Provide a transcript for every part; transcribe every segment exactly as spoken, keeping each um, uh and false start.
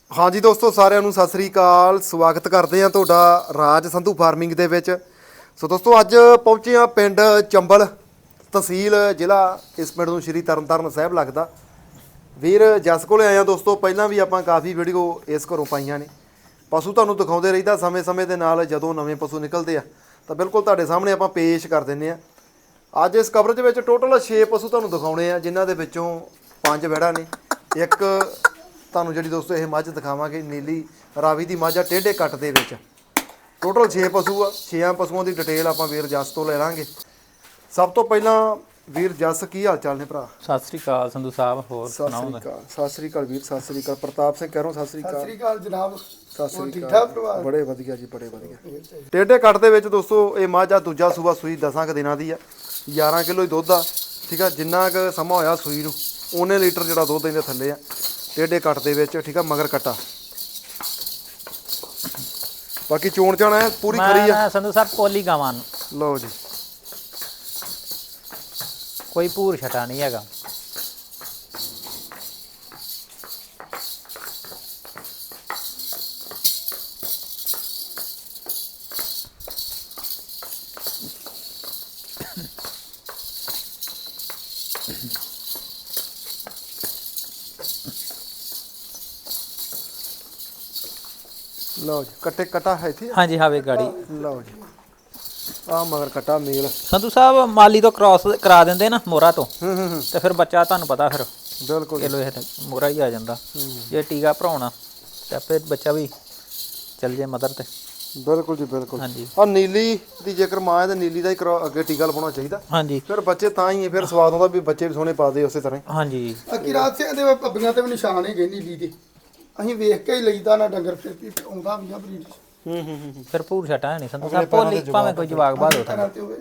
हाँ जी दोस्तों साਰਿਆਂ ਨੂੰ ਸਤਿ ਸ੍ਰੀ ਅਕਾਲ ਸਵਾਗਤ ਕਰਦੇ ਹਾਂ ਤੁਹਾਡਾ ਰਾਜ ਸੰਧੂ ਫਾਰਮਿੰਗ ਦੇ ਵਿੱਚ। ਸੋ ਦੋਸਤੋ ਅੱਜ ਪਹੁੰਚੇ ਹਾਂ ਪਿੰਡ ਚੰਬਲ ਤਹਿਸੀਲ ਜ਼ਿਲ੍ਹਾ ਇਸ ਪਿੰਡ ਨੂੰ ਸ਼੍ਰੀ ਤਰਨਤਾਰਨ ਸਾਹਿਬ ਲੱਗਦਾ। ਵੀਰ ਜਸ ਕੋਲੇ ਆਏ ਹਾਂ ਦੋਸਤੋ। ਪਹਿਲਾਂ ਵੀ ਆਪਾਂ ਕਾਫੀ ਵੀਡੀਓ ਇਸ ਘਰੋਂ ਪਾਈਆਂ ਨੇ। ਪਸ਼ੂ ਤੁਹਾਨੂੰ ਦਿਖਾਉਂਦੇ ਰਹੀਦਾ ਸਮੇਂ ਸਮੇਂ ਦੇ ਨਾਲ ਜਦੋਂ ਨਵੇਂ ਪਸ਼ੂ ਨਿਕਲਦੇ ਆ ਤਾਂ ਬਿਲਕੁਲ ਤੁਹਾਡੇ ਸਾਹਮਣੇ ਆਪਾਂ ਪੇਸ਼ ਕਰ ਦਿੰਦੇ ਆ। ਅੱਜ ਇਸ ਕਵਰੇਜ ਵਿੱਚ ਟੋਟਲ ਛੇ ਪਸ਼ੂ ਤੁਹਾਨੂੰ ਦਿਖਾਉਣੇ ਆ ਜਿਨ੍ਹਾਂ ਦੇ ਵਿੱਚੋਂ ਪੰਜ ਵੈੜਾਂ ਨੇ। ਇੱਕ ਤੁਹਾਨੂੰ ਜਿਹੜੀ ਦੋਸਤੋ ਇਹ ਮੱਝ ਦਿਖਾਵਾਂਗੇ ਨੀਲੀ ਰਾਵੀ ਦੀ ਮੱਝ ਆ ਟੇਢੇ ਕੱਟ ਦੇ ਵਿੱਚ। ਟੋਟਲ ਛੇ ਪਸ਼ੂ ਆ। ਛੇਆਂ ਪਸ਼ੂਆਂ ਦੀ ਡਿਟੇਲ ਆਪਾਂ ਵੀਰ ਜਸ ਤੋਂ ਲੈ ਲਾਂਗੇ। ਸਭ ਤੋਂ ਪਹਿਲਾਂ ਵੀਰ ਜਸ ਕੀ ਹਾਲ ਚਾਲ ਨੇ ਭਰਾ? ਸਤਿ ਸ੍ਰੀ ਅਕਾਲ ਸੰਧੂ ਸਾਹਿਬ। ਹੋਰ ਸਤਿ ਸ੍ਰੀ ਅਕਾਲ। ਸਤਿ ਸ੍ਰੀ ਅਕਾਲ ਵੀਰ। ਸਤਿ ਸ੍ਰੀ ਅਕਾਲ ਪ੍ਰਤਾਪ ਸਿੰਘ ਕਹਿ ਰਹਾ ਸਤਿ ਸ੍ਰੀ ਅਕਾਲ। ਸਤਿ ਸ੍ਰੀ ਅਕਾਲ ਜਨਾਬ। ਸਤਿ ਸ੍ਰੀ ਅਕਾਲ। ਬੜੇ ਵਧੀਆ ਜੀ ਬੜੇ ਵਧੀਆ। ਟੇਢੇ ਕੱਟ ਦੇ ਵਿੱਚ ਦੋਸਤੋ ਇਹ ਮੱਝ ਆ ਦੂਜਾ ਸੂਆ ਸੂਈ ਦਸਾਂ ਕੁ ਦਿਨਾਂ ਦੀ ਆ। ਗਿਆਰਾਂ ਕਿਲੋ ਹੀ ਦੁੱਧ ਆ। ਠੀਕ ਆ ਜਿੰਨਾ ਕੁ ਸਮਾਂ ਹੋਇਆ ਸੂਈ ਨੂੰ ਉਨੇ ਲੀਟਰ ਜਿਹੜਾ ਦੁੱਧ ਇਹਦੇ ਥੱਲੇ ਆ ਟੇਢੇ ਕੱਟ ਦੇ ਵਿੱਚ। ਠੀਕ ਆ ਮਗਰ ਕੱਟਾ ਬਾਕੀ ਚੋਣ ਚਾਣਾ ਹੈ ਪੂਰੀ ਖਰੀ ਆ ਸੰਧੂ ਸਾਹਿਬ। ਕੋਲੀ ਗਾਵਾਂ ਲਓ ਜੀ ਕੋਈ ਭੂਰ ਛਟਾ ਨਹੀਂ ਹੈਗਾ। ਲਓ ਜੀ ਕੱਟੇ ਕਟਾ ਹੈ ਇੱਥੇ। ਹਾਂਜੀ ਹਾਵੇ ਗਾੜੀ। ਲਓ ਜੀ ਆ ਮਗਰ ਕਟਾ ਮੇਲ। ਸੰਧੂ ਸਾਹਿਬ ਮਾਲੀ ਤੋਂ ਕ੍ਰਾਸ ਕਰਾ ਦਿੰਦੇ ਨਾ ਮੋਹਰਾ ਤੋਂ ਹੂੰ ਹੂੰ ਹੂੰ ਤੇ ਫਿਰ ਬੱਚਾ ਤੁਹਾਨੂੰ ਪਤਾ ਫਿਰ ਬਿਲਕੁਲ ਕਿਲੋ ਇਹ ਮੋਹਰਾ ਹੀ ਆ ਜਾਂਦਾ। ਜੇ ਟੀਕਾ ਭਰਾਉਣਾ ਤੇ ਆਪੇ ਬੱਚਾ ਵੀ ਚੱਲ ਜੇ ਮਦਰ ਤੇ। ਬਿਲਕੁਲ ਜੀ ਬਿਲਕੁਲ। ਹਾਂਜੀ ਆ ਨੀਲੀ ਦੀ ਜੇਕਰ ਮਾਂ ਹੈ ਤੇ ਨੀਲੀ ਦਾ ਹੀ ਕਰੋ ਅੱਗੇ ਟੀਕਾ ਲਵਾਉਣਾ ਚਾਹੀਦਾ। ਹਾਂਜੀ ਫਿਰ ਬੱਚੇ ਤਾਂ ਹੀ ਫਿਰ ਸਵਾਦ ਆਉਂਦਾ ਵੀ ਬੱਚੇ ਵੀ ਸੋਹਣੇ ਪਾਦੇ ਉਸੇ ਤਰ੍ਹਾਂ ਹੀ। ਹਾਂਜੀ ਅਕੀ ਰਾਤ ਸਿੰਘ ਦੇ ਪੱਬੀਆਂ ਤੇ ਵੀ ਨਿਸ਼ਾਨ ਹੈਗੇ ਨੀਲੀ ਦੇ। ਅਸੀਂ ਵੇਖ ਕੇ ਹੀ ਲਈਦਾ ਨਾ ਡੰਗਰ ਫਿਰ ਵੀ ਆਉਂਦਾ ਵੀ ਆ ਬਰੀਡ ਹੂੰ ਹੂੰ ਹੂੰ ਫਿਰ ਭੂਰ ਛਟਾ ਨਹੀਂ ਸੰਧੂ ਸਾਹਿਬ। ਭੋਲੀ ਭਾਵੇਂ ਕੋਈ ਜਵਾਕ ਬਾਦ ਹੋ ਤਰ੍ਹਾਂ ਤੇ ਹੋਵੇ।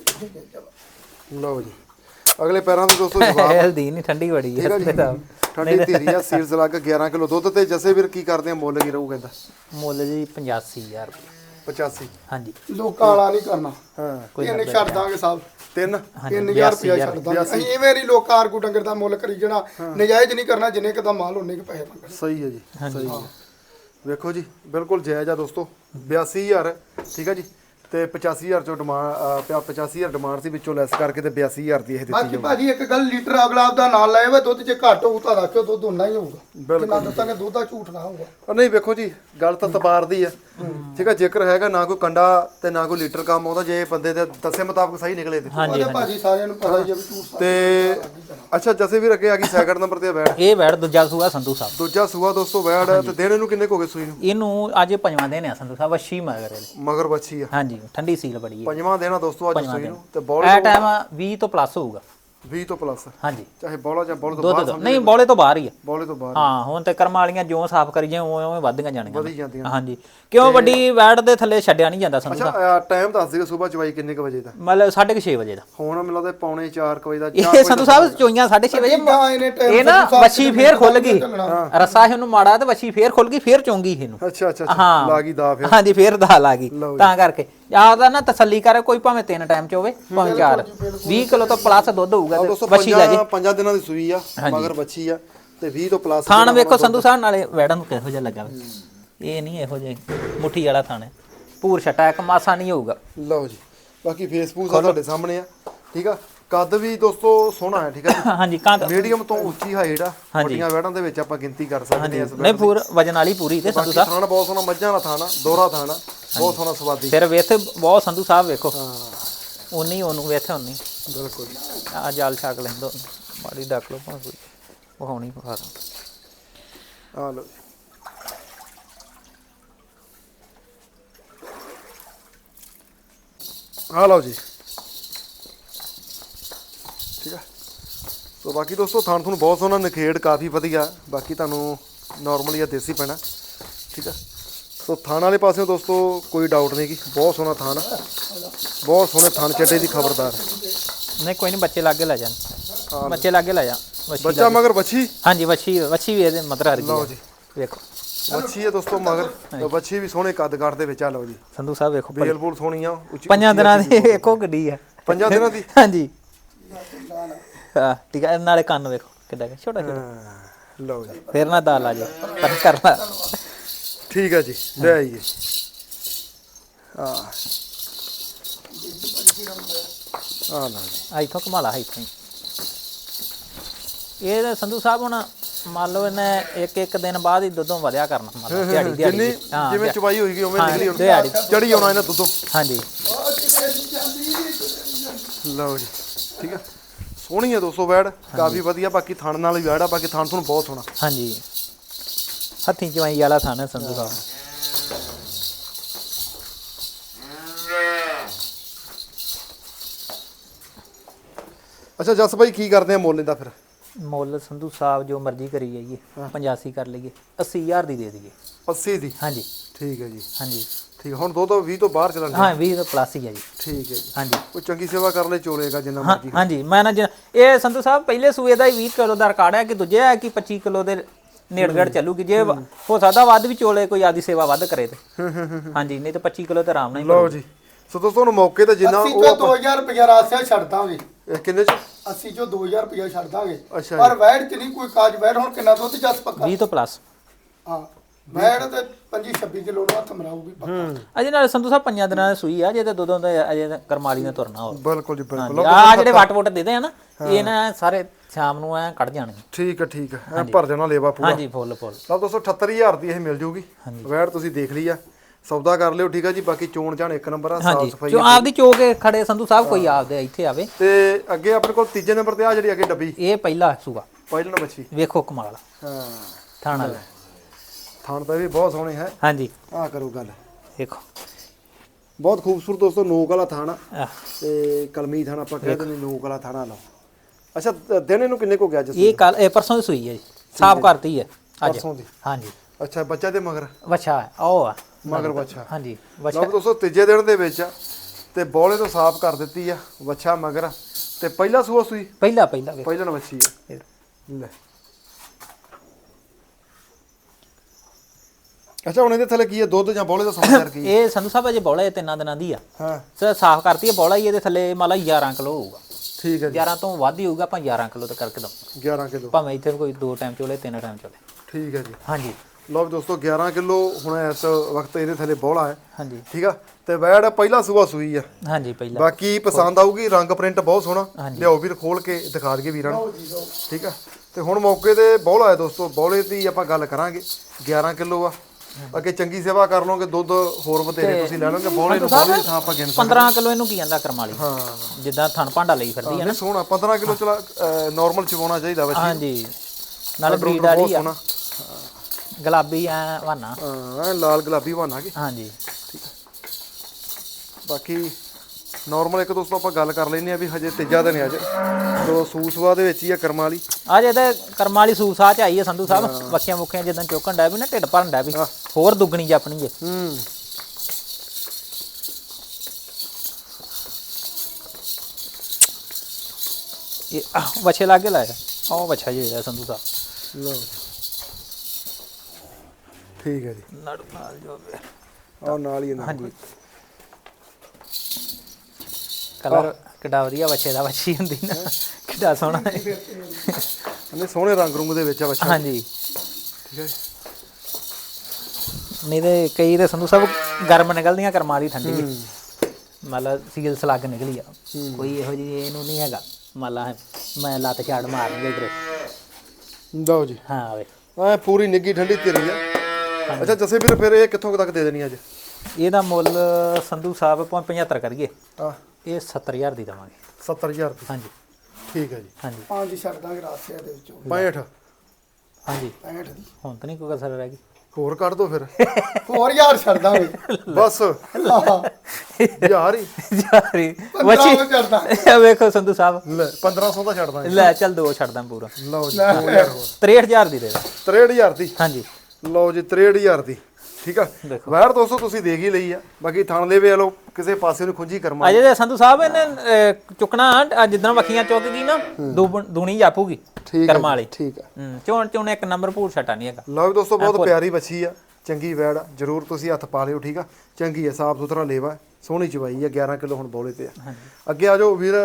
ਲਓ ਜੀ ਅਗਲੇ ਪੈਰਾਂ ਤੋਂ ਦੋਸਤੋ ਜਵਾਬ ਹੈਲਦੀ ਨਹੀਂ ਠੰਡੀ ਬੜੀ ਠੀਕ ਆ ਜੀ। ਹੈ। ਠੰਡੀ ਧੀਰੀ ਆ ਸੀਲਸ ਲੱਗ ਗਿਆਰਾਂ ਕਿਲੋ ਦੁੱਧ ਤੇ ਜਸੇ ਵੀਰ ਕੀ ਕਰਦੇ ਆ ਮੁੱਲ ਕੀ ਰਹੂ ਕਹਿੰਦਾ? ਮੁੱਲ ਜੀ ਪਚਾਸੀ ਹਜ਼ਾਰ ਪਚਾਸੀ। ਹਾਂਜੀ ਲੋਕਾਂ ਵਾਲਾ ਨਹੀਂ ਕਰਨਾ। ਹਾਂ ਇਹਨੇ ਛੱਡ ਦਾਂਗੇ ਸਾਹਿਬ। ਤਿੰਨ ਤਿੰਨ ਹਜ਼ਾਰ ਰੁਪਇਆ ਛੱਡ ਦਾਂਗੇ ਅਸੀਂ। ਐਵੇਂ ਨਹੀਂ ਲੋਕਾਂ ਆਰਗੂ ਡੰਗਰ ਦਾ ਮੁੱਲ ਕਰੀ ਜਣਾ ਨਜਾਇਜ਼ ਨਹੀਂ ਕਰਨਾ। ਜਿੰਨੇ ਕਿ ਦਾ ਮਾਲ ਉਹਨੇ ਕਿ ਪੈਸੇ ਮੰਗਣੇ। ਸਹੀ ਹੈ ਜੀ ਸਹੀ ਹੈ। ਵੇਖੋ ਜੀ ਬਿਲਕੁਲ ਜਾਇਜ਼ ਆ ਦੋਸਤੋ। ਬਿਆਸੀ ਹਜ਼ਾਰ ਠੀਕ ਆ ਜੀ ਤੇ ਪਚਾਸੀ ਹਜ਼ਾਰ ਚੋਂ ਡਿਮਾਂਡ ਪਚਾਸੀ ਹਜ਼ਾਰ ਡਿਮਾਂਡ ਸੀ ਵਿੱਚੋਂ ਲੈਸ ਕਰਕੇ ਤੇ ਬਿਆਸੀ ਹਜ਼ਾਰ ਦੀ ਇਹ ਦਿੱਤੀ ਬਾਕੀ ਜਾਊਗੀ। ਭਾਜੀ ਇੱਕ ਗੱਲ ਲੀਟਰ ਅਗਲਾ ਦਾ ਨਾਲ ਲਾਏ ਵਾ ਦੁੱਧ ਜੇ ਘੱਟ ਹੋਊ ਤਾਂ ਰੱਖਿਓ ਦੁੱਧ ਉਨਾ ਹੀ ਹੋਊਗਾ। ਜਿੰਨਾ ਦੱਸਾਂਗੇ ਦੁੱਧ ਦਾ ਝੂਠ ਨਾ ਹੋਊਗਾ। ਪਰ ਨਹੀਂ ਵੇਖੋ ਜੀ ਗੱਲ ਤਾਂ ਤਬਾਰ ਦੀ ਆ। ਠੀਕ ਆ ਜੇਕਰ ਹੈਗਾ ਨਾ ਕੋਈ ਕੰਡਾ ਤੇ ਨਾ ਕੋਈ ਲੀਟਰ ਕੰਮ ਆਉਂਦਾ ਜੇ ਬੰਦੇ ਦੇ ਦੱਸੇ ਮੁਤਾਬਕ ਸਹੀ ਨਿਕਲੇ ਤੇ। ਹਾਂਜੀ ਉਹਦੇ ਭਾਜੀ ਸਾਰਿਆਂ ਨੂੰ ਪਤਾ ਹੀ ਆ ਵੀ ਝੂਠ ਤੇ ਅੱਛਾ ਜਸੇ ਵੀਰ ਅੱਗੇ ਆ ਗਈ ਸੈਕਿੰਡ ਨੰਬਰ ਤੇ ਬੈਠ। ਇਹ ਵੈੜ ਦੂਜਾ ਸੂਆ ਸੰਧੂ ਸਾਹਿਬ। ਦੂਜਾ ਸੂਆ ਦੋਸਤੋ ਬੈੜ ਤੇ ਦਿਨ ਇਹਨੂੰ ਕਿੰਨੇ ਕੁ ਹੋ ਗਏ ਸੂਈ ਨੂੰ? ਇਹਨੂੰ ਅੱਜ ਪੰਜਵਾਂ ਦਿਨ ਆ ਸੰਧੂ ਸਾਹਿਬ। ਵੱਛੀ ਮਗਰ ਇਹਦੇ। ਮਗਰ ਬੱਚੀ ਆ। ਹਾਂਜੀ ਠੰਡੀ ਸੀਲ ਬੜੀ ਹੈ। ਪੰਜਵਾਂ ਦਿਨ ਦੋਸਤੋ ਅੱਜ ਸੂਈ ਨੂੰ ਤੇ ਬੋਲ ਇਹ ਟਾਈਮ ਵੀਹ ਤੋਂ ਪਲੱਸ ਹੋਊਗਾ। ਵੀਹ ਤੋਂ ਪਲੱਸ ਹਾਂਜੀ ਚਾਹੇ ਬੋਲਾ ਜਾਂ ਬੋਲ ਤੋਂ ਦੁੱਧ ਬਾਹਰ ਤੋਂ ਸਮਝ ਨਹੀਂ ਬੋਲੇ ਤੋਂ ਬਾਹਰ ਹੀ ਆ। ਬੋਲੇ ਤੋਂ ਬਾਹਰ ਹਾਂ ਹੁਣ ਤੇ ਕਰਮਾਂ ਵਾਲੀਆਂ ਜਿਉਂ ਸਾਫ਼ ਕਰੀ ਜਾਏ ਉਵੇਂ ਉਵੇਂ ਵੱਧਦੀਆਂ ਵਧੀ ਜਾਣੀਆਂ। ਜਾਂਦੀਆਂ। ਹਾਂਜੀ ਕਿਉਂ ਵੱਡੀ ਵੈੜ ਦੇ ਥੱਲੇ ਛੱਡਿਆ ਨਹੀਂ ਜਾਂਦਾ ਸੰਧੂ ਸਾਹਿਬ। ਅੱਛਾ ਟਾਈਮ ਦੱਸ ਦਿਓ ਸਵੇਰ ਚਵਾਈ ਕਿੰਨੇ ਕ ਵਜੇ ਦਾ? ਮਤਲਬ ਸਾਢੇ ਕੁ ਛੇ ਵਜੇ ਦਾ। ਹੁਣ ਮੈਨੂੰ ਲੱਗਦਾ ਪੌਣੇ ਚਾਰ ਕੁ ਵਜੇ ਦਾ। ਇਹ ਸੰਧੂ ਸਾਹਿਬ ਚੋਈਆਂ ਸਾਢੇ ਛੇ ਵਜੇ। ਇਹ ਨਾ ਵੱਛੀ ਫੇਰ ਖੁੱਲ ਗਈ। ਰੱਸਾ ਇਹਨੂੰ ਮਾੜਾ ਤੇ ਵੱਛੀ ਫੇਰ ਖੁੱਲ ਗਈ ਫੇਰ ਚੋਂਗੀ ਇਹਨੂੰ। ਅੱਛਾ ਅੱਛਾ ਹਾਂ ਲਾ ਗਈ ਦਾ ਫਿਰ। ਹਾਂਜੀ ਫੇਰ ਦਾ ਲਾ ਗਈ ਤਾਂ ਕਰਕੇ ਆਦਾ ਨਾ ਤਸੱਲੀ ਕਰੇ ਕੋਈ ਭਾਵੇਂ ਤਿੰਨ ਟਾਈਮ ਚ ਹੋਵੇ ਭਾਵੇਂ ਚਾਰ। ਵੀਹ ਕਿਲੋ ਤੋਂ ਪਲੱਸ ਦੁੱਧ ਹੋਊਗਾ ਤੇ ਵੱਛੀ ਦਾ ਜੀ। ਪੰਜਾਂ ਦਿਨਾਂ ਦੀ ਸੂਈ ਆ ਮਗਰ ਬੱਚੀ ਆ ਤੇ ਵੀਹ ਤੋਂ ਪਲੱਸ। ਥਾਣ ਵੇਖੋ ਸੰਧੂ ਸਾਹਿਬ ਨਾਲੇ ਵੈੜਾਂ ਨੂੰ ਕਿਹੋ ਜਿਹਾ ਲੱਗਾ। ਇਹ ਨਹੀਂ ਇਹੋ ਜਿਹੇ ਮੁੱਠੀ ਵਾਲਾ ਥਾਣ ਹੈ। ਭੂਰ ਛਟਾ ਇੱਕ ਮਾਸਾ ਨਹੀਂ ਹੋਊਗਾ। ਲਓ ਜੀ ਬਾਕੀ ਫੇਸਬੁੱਕ ਆ ਤੁਹਾਡੇ ਸਾਹਮਣੇ ਆ। ਠੀਕ ਆ ਕੱਦ ਵੀ ਦੋਸਤੋ ਸੋਹਣਾ ਹੈ। ਠੀਕ ਆ ਜੀ ਹਾਂਜੀ ਕੰਦ ਮੀਡੀਅਮ ਤੋਂ ਉੱਚੀ ਹਾਈਟ ਆ। ਵੱਡੀਆਂ ਵੈੜਾਂ ਦੇ ਵਿੱਚ ਆਪਾਂ ਗਿਣਤੀ ਕਰ ਸਕਦੇ ਆ। ਨਹੀਂ ਪੂਰ ਵਜਨ ਵਾਲੀ ਪੂਰੀ ਤੇ ਸੰਧੂ ਸਾਹਿਬ। ਥਾਣ ਬਹੁਤ ਸੋਹਣਾ ਮੱਝਾਂ ਦਾ ਥਾਣ ਆ ਦੋਹਰਾ ਥਾਣ ਆ ਬਹੁਤ ਸੋਹਣਾ ਸਵਾਦੀ। ਫਿਰ ਵੇਥੇ ਬਹੁਤ ਸੰਧੂ ਸਾਹਿਬ ਵੇਖੋ ਹਾਂ ਉਨੀ ਉਹਨੂੰ ਵੇਥੇ ਉਨੀ ਬਿਲਕੁਲ ਆ ਜਾਲ ਛਾਕ ਲੈਂਦੋ ਮਾੜੀ ਡੱਕ ਲੋ ਭਾਵੇਂ ਕੋਈ ਵਿਖਾਉਣੀ ਵਿਖਾ ਦਾਂ। ਆ ਲਓ ਆ ਲਓ ਜੀ ਠੀਕ ਆ। ਸੋ ਬਾਕੀ ਦੋਸਤੋ ਥਾਣ ਤੁਹਾਨੂੰ ਬਹੁਤ ਸੋਹਣਾ ਨਖੇੜ ਕਾਫੀ ਵਧੀਆ। ਬਾਕੀ ਤੁਹਾਨੂੰ ਨਾਰਮਲੀ ਆ ਦੇਸੀ ਪੈਣਾ। ਠੀਕ ਆ ਸੋ ਥਾਣ ਵਾਲੇ ਪਾਸਿਓਂ ਦੋਸਤੋ ਕੋਈ ਡਾਊਟ ਨਹੀਂ ਕਿ ਬਹੁਤ ਸੋਹਣਾ ਥਾਣ ਆ। ਬਹੁਤ ਸੋਹਣੇ ਥਾਣ ਚੱਡੇ ਦੀ ਖਬਰਦਾਰ। ਨਹੀਂ ਕੋਈ ਨਹੀਂ ਬੱਚੇ ਲਾਗੇ ਲੈ ਜਾਣ। ਬੱਚੇ ਲਾਗੇ ਲੈ ਜਾ। ਬੱਚਾ ਮਗਰ ਬੱਚੀ। ਹਾਂਜੀ ਵੱਛੀ ਵੱਛੀ ਵੀ ਇਹਦੇ ਮਦਰ ਵਰਗੀ। ਲਓ ਜੀ ਵੇਖੋ ਵੱਛੀ ਹੈ ਦੋਸਤੋ ਮਗਰ ਤੇ ਵੱਛੀ ਵੀ ਸੋਹਣੇ ਕੱਦ ਕੱਦ ਦੇ ਵਿੱਚ ਆ। ਲਓ ਜੀ ਸੰਧੂ ਸਾਹਿਬ ਵੇਖੋ ਬੇਲ ਬੂਲ ਸੋਹਣੀ ਆ। ਪੰਜਾਂ ਦਿਨਾਂ ਦੀ ਇੱਕੋ ਗੱਡੀ ਆ। ਪੰਜਾਂ ਦਿਨਾਂ ਦੀ ਹਾਂਜੀ ਹਾਂ ਠੀਕ ਹੈ। ਨਾਲੇ ਕੰਨ ਵੇਖੋ ਕਿੱਡਾ ਛੋਟਾ ਛੋਟਾ। ਲਓ ਜੀ ਫੇਰ ਨਾ ਦਾਲ ਆ ਜਾ ਕਰ ਲਾ। ਠੀਕ ਹੈ ਜੀ ਲੈ ਆਈਏ ਆ ਆ ਨਾ ਜੀ ਆ ਇੱਥੋਂ ਕਮਾਲਾ ਹੈ ਇੱਥੋਂ ਹੀ। ਇਹ ਤਾਂ ਸੰਧੂ ਸਾਹਿਬ ਹੁਣ ਮੰਨ ਲਓ ਇਹਨੇ ਇੱਕ ਇੱਕ ਦਿਨ ਬਾਅਦ ਹੀ ਦੁੱਧੋਂ ਵਧਿਆ ਕਰਨਾ ਮੰਨ ਲਓ ਦਿਹਾੜੀ ਦਿਹਾੜੀ ਜਿੰਨੀ ਦੀ। ਹਾਂ ਜਿਵੇਂ ਚਵਾਈ ਹੋਏਗੀ ਉਵੇਂ ਹਾਂ, ਨਿਕਲੀ ਦਿਹਾੜੀ। ਚੜੀ ਆਉਣਾ ਇਹਨਾਂ ਦੁੱਧੋਂ। ਹਾਂਜੀ ਲਓ ਜੀ ਠੀਕ ਆ ਸੋਹਣੀ ਆ ਦੋਸਤੋ ਵੈੜ ਕਾਫੀ ਵਧੀਆ ਬਾਕੀ ਥਣ ਨਾਲ ਹੀ ਵੈੜ ਆ ਬਾਕੀ ਥਣ ਤੁਹਾਨੂੰ ਬਹੁਤ ਸੋਹਣਾ। ਹਾਂਜੀ ਹੱਥੀਂ ਚਵਾਈ ਵਾਲਾ ਥਾਣਾ ਸੰਧੂ ਸਾਹਿਬ। ਅੱਛਾ ਜਸ ਭਾਈ ਕੀ ਕਰਦੇ ਆ ਮੁੱਲ ਇਹਦਾ ਫਿਰ? ਮੁੱਲ ਸੰਧੂ ਸਾਹਿਬ ਜੋ ਮਰਜ਼ੀ ਕਰੀ ਜਾਈਏ ਪਚਾਸੀ ਕਰ ਲਈਏ ਅੱਸੀ ਹਜ਼ਾਰ ਦੀ ਦੇ ਦਈਏ। ਅੱਸੀ ਦੀ ਹਾਂਜੀ ਠੀਕ ਹੈ ਜੀ ਹਾਂਜੀ ਠੀਕ ਹੁਣ ਦੋ ਤੋਂ ਵੀਹ ਤੋਂ ਬਾਹਰ ਚੱਲਣ ਹਾਂ ਵੀਹ ਤੋਂ ਪਲੱਸ ਹੀ ਆ ਜੀ। ਠੀਕ ਹੈ ਜੀ ਹਾਂਜੀ ਕੋਈ ਚੰਗੀ ਸੇਵਾ ਕਰ ਲੈ ਚੋਲੇਗਾ ਜਿੰਨਾ ਹਾਂ ਮਰਜ਼ੀ। ਹਾਂਜੀ ਮੈਂ ਨਾ ਜਿ- ਇਹ ਸੰਧੂ ਸਾਹਿਬ ਪਹਿਲੇ ਸੂਏ ਦਾ ਹੀ ਵੀਹ ਕਿਲੋ ਦਾ ਰਿਕਾਰਡ ਹੈ ਕਿ ਦੂਜੇ ਹੈ ਕਿ ਪੱਚੀ ਕਿਲੋ ਦੇ ਨੇੜਗੜ ਚੱਲੂਗੀ ਜੇ ਹੋ ਸਕਦਾ ਵੱਧ ਵੀ ਚੋਲੇ ਕੋਈ ਆਦੀ ਸੇਵਾ ਵੱਧ ਕਰੇ ਤੇ ਹਾਂਜੀ ਨਹੀਂ ਤਾਂ ਪੱਚੀ ਕਿਲੋ ਤੇ ਆਰਾਮ ਨਾਲ ਹੀ ਲਓ ਜੀ ਸੋ ਦੋਸਤੋ ਨੂੰ ਮੌਕੇ ਤੇ ਜਿੰਨਾ ਅਸੀਂ ਉਹ ਜੋ ਦੋ ਹਜ਼ਾਰ ਰੁਪਇਆ ਰਾਸਿਆ ਛੱਡ ਦਾਂਗੇ। ਇਹ ਕਿੰਨੇ ਚ ਅਸੀਂ ਜੋ ਦੋ ਹਜ਼ਾਰ ਰੁਪਇਆ ਛੱਡ ਦਾਂਗੇ ਅੱਛਾ ਪਰ ਵੈੜ ਚ ਨਹੀਂ ਕੋਈ ਕਾਜ ਵੈੜ ਹੁਣ ਕਿੰਨਾ ਦੁੱਧ ਜਸ ਪੱਕਾ ਵੀਹ ਤੋਂ ਪਲੱਸ। ਹਾਂ ਵੈੜ ਤੇ ਪੰਜੀ ਛੱਬੀ ਕਿਲੋ ਨੂੰ ਹੱਥ ਮਰਾਊਗੀ ਪੱਕਾ। ਅਜੇ ਨਾਲ ਸੰਧੂ ਸਾਹਿਬ ਪੰਜਾਂ ਦਿਨਾਂ ਦੀ ਸੂਈ ਆ ਜੇ ਤੇ ਦੁੱਧੋਂ ਦਾ ਅਜੇ ਤਾਂ ਕਰਮਾਲੀ ਨੇ ਤੁਰਨਾ ਹੋਰ। ਬਿਲਕੁਲ ਜੀ ਬਿਲਕੁਲ ਆ ਜਿਹੜੇ ਵਟ ਵਟ ਦੇਦੇ ਆ ਨਾ ਇਹ ਨਾ ਸਾਰੇ ਸ਼ਾਮ ਨੂੰ ਐ ਕੱਢ ਜਾਣਗੇ। ਠੀਕ ਹੈ ਠੀਕ ਹੈ ਐਂ ਭਰ ਜਾਣਾ ਲੇਵਾ ਪੂਰਾ। ਹਾਂਜੀ ਫੁੱਲ ਫੁੱਲ। ਲਓ ਦੋਸਤੋ ਅਠੱਤਰ ਹਜ਼ਾਰ ਦੀ ਇਹ ਮਿਲ ਜੂਗੀ ਵੈੜ ਤੁਸੀਂ ਦੇਖ ਲਈ ਆ ਸੌਦਾ ਕਰ ਲਿਓ ਠੀਕ ਆ ਜੀ ਬਾਕੀ ਚੋਣ ਜਾਣ ਇੱਕ ਨੰਬਰ ਆ ਸਾਫ ਹਾਂਜੀ ਸਫਾਈ ਜੋ ਆਪਦੀ ਚੋ ਕੇ ਖੜੇ ਸੰਧੂ ਸਾਹਿਬ ਕੋਈ ਆਪਦੇ ਇੱਥੇ ਆਵੇ। ਤੇ ਅੱਗੇ ਆਪਣੇ ਕੋਲ ਤੀਜੇ ਨੰਬਰ ਤੇ ਆ ਜਿਹੜੀ ਅੱਗੇ ਡੱਬੀ ਇਹ ਪਹਿਲਾ ਸੂਆ ਪਹਿਲਣ ਬੱਚੀ ਵੇਖੋ ਕਮਾਲ ਹਾਂ ਥਾਣਾ ਲੈ। ਥਣ ਤਾਂ ਵੀ ਬਹੁਤ ਸੋਹਣੇ ਹੈ ਹਾਂਜੀ ਆ ਕਰੋ ਗੱਲ ਵੇਖੋ ਬਹੁਤ ਖੂਬਸੂਰਤ ਦੋਸਤੋ ਨੋਕ ਵਾਲਾ ਥਾਣਾ ਆਹ, ਤੇ ਕਲਮੀ ਥਾਣਾ ਆਪਾਂ ਕਹਿੰਦੇ ਨੇ ਨੋਕ ਵਾਲਾ ਥਾਣਾ ਲਓ। ਅੱਛਾ ਦ- ਦਿਨ ਇਹਨੂੰ ਕਿੰਨੇ ਕੋ ਗਿਆ ਜਿਸ ਇਹ ਕੱਲ ਇਹ ਪਰਸੋਂ ਦੀ ਸੂਈ ਹੈ ਜੀ ਸਾਫ ਕਰਤੀ ਹੈ ਅੱਜ। ਪਰਸੋਂ ਦੀ ਹਾਂਜੀ ਅੱਛਾ ਬੱਚਾ ਦੇ ਮਗਰ ਵਛਾ ਹੈ ਉਹ ਆ ਮਗਰ ਬੱਚਾ ਹਾਂਜੀ ਵਛਾ ਲਓ ਦੋਸਤੋ ਤੀਜੇ ਦਿਨ ਦੇ ਵਿੱਚ ਆ ਤੇ ਬੋਲੇ ਤੋਂ ਸਾਫ਼ ਕਰ ਦਿੱਤੀ ਆ ਬੱਚਾ ਮਗਰ ਤੇ ਪਹਿਲਾ ਸੂਆ ਸੂਈ ਪਹਿਲਾ ਪਹਿਲਾ ਵੇਖੋ ਪਹਿਲਣ ਬੱਚੀ ਆ ਇਹ। ਲੈ ਅੱਛਾ ਹੁਣ ਇਹਦੇ ਥੱਲੇ ਕੀ ਹੈ ਦੁੱਧ ਜਾਂ ਬੋਲੇ ਦਾ ਸਮਾਚਾਰ ਕੀ ਹੈ? ਇਹ ਸੰਧੂ ਸਾਹਿਬ ਅਜੇ ਬੋਲਾ ਇਹ ਤਿੰਨਾਂ ਦਿਨਾਂ ਦੀ ਆ ਹਾਂ ਸਰ ਸਾਫ ਕਰਤੀ ਹੈ ਬੋਲਾ ਹੀ ਇਹਦੇ ਥੱਲੇ ਮਾਲਾ ਗਿਆਰਾਂ ਕਿਲੋ ਹੋਊਗਾ। ਠੀਕ ਹੈ ਜੀ ਗਿਆਰਾਂ ਤੋਂ ਵੱਧ ਹੀ ਹੋਊਗਾ ਆਪਾਂ ਗਿਆਰਾਂ ਕਿਲੋ ਤੇ ਕਰਕੇ ਦਮ ਗਿਆਰਾਂ ਕਿਲੋ ਭਾਵੇਂ ਇੱਥੇ ਕੋਈ ਦੋ ਟਾਈਮ ਚੋਲੇ ਤਿੰਨ ਟਾਈਮ ਚੋਲੇ। ਠੀਕ ਹੈ ਜੀ ਹਾਂਜੀ ਲਓ ਵੀ ਦੋਸਤੋ ਗਿਆਰਾਂ ਕਿਲੋ ਹੁਣ ਇਸ ਵਕਤ ਇਹਦੇ ਥੱਲੇ ਬੋਲਾ ਹੈ ਹਾਂਜੀ ਠੀਕ ਆ ਤੇ ਵੈੜ ਪਹਿਲਾ ਸੂਆ ਸੂਈ ਆ ਹਾਂਜੀ ਪਹਿਲਾ ਬਾਕੀ ਪਸੰਦ ਆਊਗੀ ਰੰਗ ਪ੍ਰਿੰਟ ਬਹੁਤ ਸੋਹਣਾ ਲਿਆਓ ਵੀਰ ਖੋਲ ਕੇ ਦਿਖਾ ਦਈਏ ਵੀਰਾਂ ਨੂੰ ਠੀਕ ਆ ਤੇ ਹੁਣ ਮੌਕੇ ਤੇ ਬੋਲਾ ਹੈ ਦੋਸਤੋ ਬੋਲੇ ਦੀ ਆਪਾਂ ਗੱਲ ਕਰਾਂਗੇ ਗਿਆਰਾਂ ਕਿਲੋ ਆ ਅੱਗੇ ਚੰਗੀ ਸੇਵਾ ਕਰ ਲਓਗੇ ਦੁੱਧ ਹੋਰ ਵਧੇਰੇ ਤੁਸੀਂ ਲੈ ਲਓਗੇ ਬੋਲੇ ਨੂੰ ਬੋਲੇ ਦੀ ਥਾਂ ਆਪਾਂ ਗਿਣ ਸਕਦੇ ਪੰਦਰਾਂ ਕਿਲੋ ਇਹਨੂੰ ਕੀ ਜਾਂਦਾ ਕਰਮਾਲੀ ਹਾਂ ਜਿੱਦਾਂ ਥਣ ਭਾਂਡਾ ਲਈ ਫਿਰਦੀ ਹੈ ਇਹ ਸੋਹਣਾ ਪੰਦਰਾਂ ਕਿਲੋ ਚਲਾ ਨਾਰਮਲ ਚਵਾਉਣਾ ਚਾਹੀਦਾ ਬੱਚੀ ਹਾਂਜੀ ਨਾਲੇ ਬਰੀਡ ਬਹੁਤ ਵਾਲੀ ਆ ਸੋਹਣਾ ਗੁਲਾਬੀ ਐ ਵਾਨਾ ਹਾਂ ਲਾਲ ਗੁਲਾਬੀ ਬਣਾ ਕੇ ਹਾਂਜੀ ਬਾਕੀ ਨਾਰਮਲ ਇੱਕ ਦੋਸਤੋ ਆਪਾਂ ਗੱਲ ਕਰ ਲੈਨੇ ਆ ਵੀ ਹਜੇ ਤੀਜਾ ਦਿਨ ਹੈ ਅੱਜ ਤੋ ਸੂਸਵਾ ਦੇ ਵਿੱਚ ਹੀ ਆ ਕਰਮਾਂ ਵਾਲੀ ਆ ਜੇ ਤੇ ਕਰਮਾਂ ਵਾਲੀ ਸੂਸਾ ਚ ਆਈ ਹੈ ਸੰਧੂ ਸਾਹਿਬ ਬੱਖੀਆਂ ਮੁੱਖੀਆਂ ਜਿੱਦਾਂ ਚੋਕਣ ਡੈ ਵੀ ਨਾ ਢਿੱਡ ਭਰਨ ਡੈ ਵੀ ਹੋਰ ਦੁੱਗਣੀ ਜਾਪਣੀ ਜੇ ਹੂੰ ਇਹ ਆਹ, ਵਛੇ ਲਾਗੇ ਲਾਇਆ ਉਹ ਵਛਾ ਜੀ ਹੈ ਸੰਧੂ ਸਾਹਿਬ ਲਓ ਠੀਕ ਹੈ ਜੀ ਨੜ ਨਾਲ ਜੋ ਵੀ। ਆਹ ਨਾਲ ਹੀ ਇਹਨਾਂ ਹਾਂਜੀ ਕਲਰ ਕਿੱਡਾ ਵਧੀਆ ਵਛੇ ਦਾ ਵਛੀ ਹੁੰਦੀ ਨਾ ਕਿੱਡਾ ਸੋਹਣਾ ਹੈ। ਇਹਨੇ ਸੋਹਣੇ ਰੰਗ ਰੁੰਗ ਦੇ ਵਿੱਚ ਆ ਬੱਚਾ ਹਾਂਜੀ ਠੀਕ ਹੈ ਜੀ। ਨਹੀਂ ਤੇ ਕਈ ਤੇ ਸੰਧੂ ਸਾਹਿਬ ਗਰਮ ਨਿਕਲਦੀਆਂ ਕਰਮਾਂ ਵਾਲੀ ਠੰਡੀ ਜੀ ਮਤਲਬ ਸੀਲ ਸਲੱਗ ਨਿਕਲੀ ਆ ਕੋਈ ਇਹੋ ਜਿਹੀ ਇਹਨੂੰ ਨਹੀਂ ਹੈਗਾ ਮਤਲਬ ਮੈਂ ਲੱਤ ਛਾੜ ਮਾਰਨਗੇ ਇਧਰ ਲਓ ਜੀ ਹਾਂ ਵੇ ਐ ਪੂਰੀ ਨਿੱਗੀ ਠੰਡੀ ਤੇਰੀ ਆ ਅੱਛਾ ਜਸੇ ਵੀਰ ਫਿਰ ਇਹ ਕਿੱਥੋਂ ਕੁ ਤੱਕ ਦੇ ਦੇਣੀ ਅੱਜ ਇਹਦਾ ਮੁੱਲ ਸੰਧੂ ਸਾਹਿਬ ਆਪਾਂ ਪਝੱਤਰ ਕਰੀਏ ਆ ਇਹ ਸੱਤਰ ਹਜ਼ਾਰ ਦੀ ਦੇਵਾਂਗੇ ਸੱਤਰ ਹਜ਼ਾਰ ਦੀ ਹਾਂਜੀ ਠੀਕ ਹੈ ਜੀ ਹਾਂਜੀ ਪੰਜ ਛੱਡ ਦਾਂਗੇ ਰਾਸਿਆ ਦੇ ਵਿੱਚੋਂ ਪੈਂਹਠ ਹਾਂਜੀ ਪੈਂਹਠ ਦੀ ਹੁਣ ਤਾਂ ਨਹੀਂ ਕੋਈ ਕਸਰ ਰਹਿ ਗਈ ਹੋਰ ਕੱਢ ਦੋ ਫਿਰ ਹੋਰ ਹਜ਼ਾਰ ਛੱਡ ਦਾਂਗੇ ਬਸ ਯਾਰ ਹੀ ਯਾਰੀ ਪੰਦਰਾਂ ਸੌ ਛੱਡ ਦਾਂਗੇ ਵਛੀ ਵੇਖੋ ਸੰਧੂ ਸਾਹਿਬ ਲੈ ਪੰਦਰਾਂ ਸੌ ਦਾ ਛੱਡ ਦਾਂਗੇ ਲੈ ਚੱਲ ਦੋ ਛੱਡਦਾ ਪੂਰਾ ਲਓ ਜੀ ਦੋ ਹਜ਼ਾਰ ਹੋਰ ਤਰੇਹਠ ਹਜ਼ਾਰ ਦੀ ਦੇ ਦੇ ਤਰੇਹਠ ਹਜ਼ਾਰ ਦੀ ਹਾਂਜੀ ਲਓ ਜੀ ਤਰੇਹਠ ਹਜ਼ਾਰ ਦੀ ਠੀਕ ਆ ਦੇਖੋ। ਵੈਰ ਦੋਸਤੋ ਤੁਸੀਂ ਦੇਖ ਹੀ ਲਈ ਆ ਬਾਕੀ ਥਣ ਦੇ ਵੇ ਲਓ ਕਿਸੇ ਪਾਸੇ ਨੂੰ ਖੁੰਝੀ ਕਰਮਾ ਅਜੇ ਤੇ ਸੰਧੂ ਸਾਹਿਬ ਇਹਨੇ ਅਹ, ਚੁੱਕਣਾ ਆਹ ਜਿੱਦਾਂ ਵੱਖੀਆਂ ਚੁੱਕ ਗਈ ਨਾ ਦੂ- ਦੂਣੀ ਜਾਪੂਗੀ ਠੀਕ ਕਰਮਾਂ ਆ ਵਾਲੀ ਠੀਕ ਆ ਹੂੰ ਚੋਣ ਚੋਣ ਇੱਕ ਨੰਬਰ ਭੂਰ ਛਟਾ ਨਹੀਂ ਹੈਗਾ ਲਓ ਵੀ ਦੋਸਤੋ ਬਹੁਤ ਪਿਆਰੀ ਬੱਚੀ ਆ ਚੰਗੀ ਵੈੜ ਆ ਜਰੂਰ ਤੁਸੀਂ ਹੱਥ ਪਾ ਲਿਓ ਠੀਕ ਆ ਚੰਗੀ ਆ ਸਾਫ ਸੁਥਰਾ ਲੇਵਾ ਸੋਹਣੀ ਚਵਾਈ ਆ ਗਿਆਰਾਂ ਕਿਲੋ ਹੁਣ ਬੋਲੇ ਤੇ ਆ ਅੱਗੇ ਆ ਜਾਓ ਵੀਰ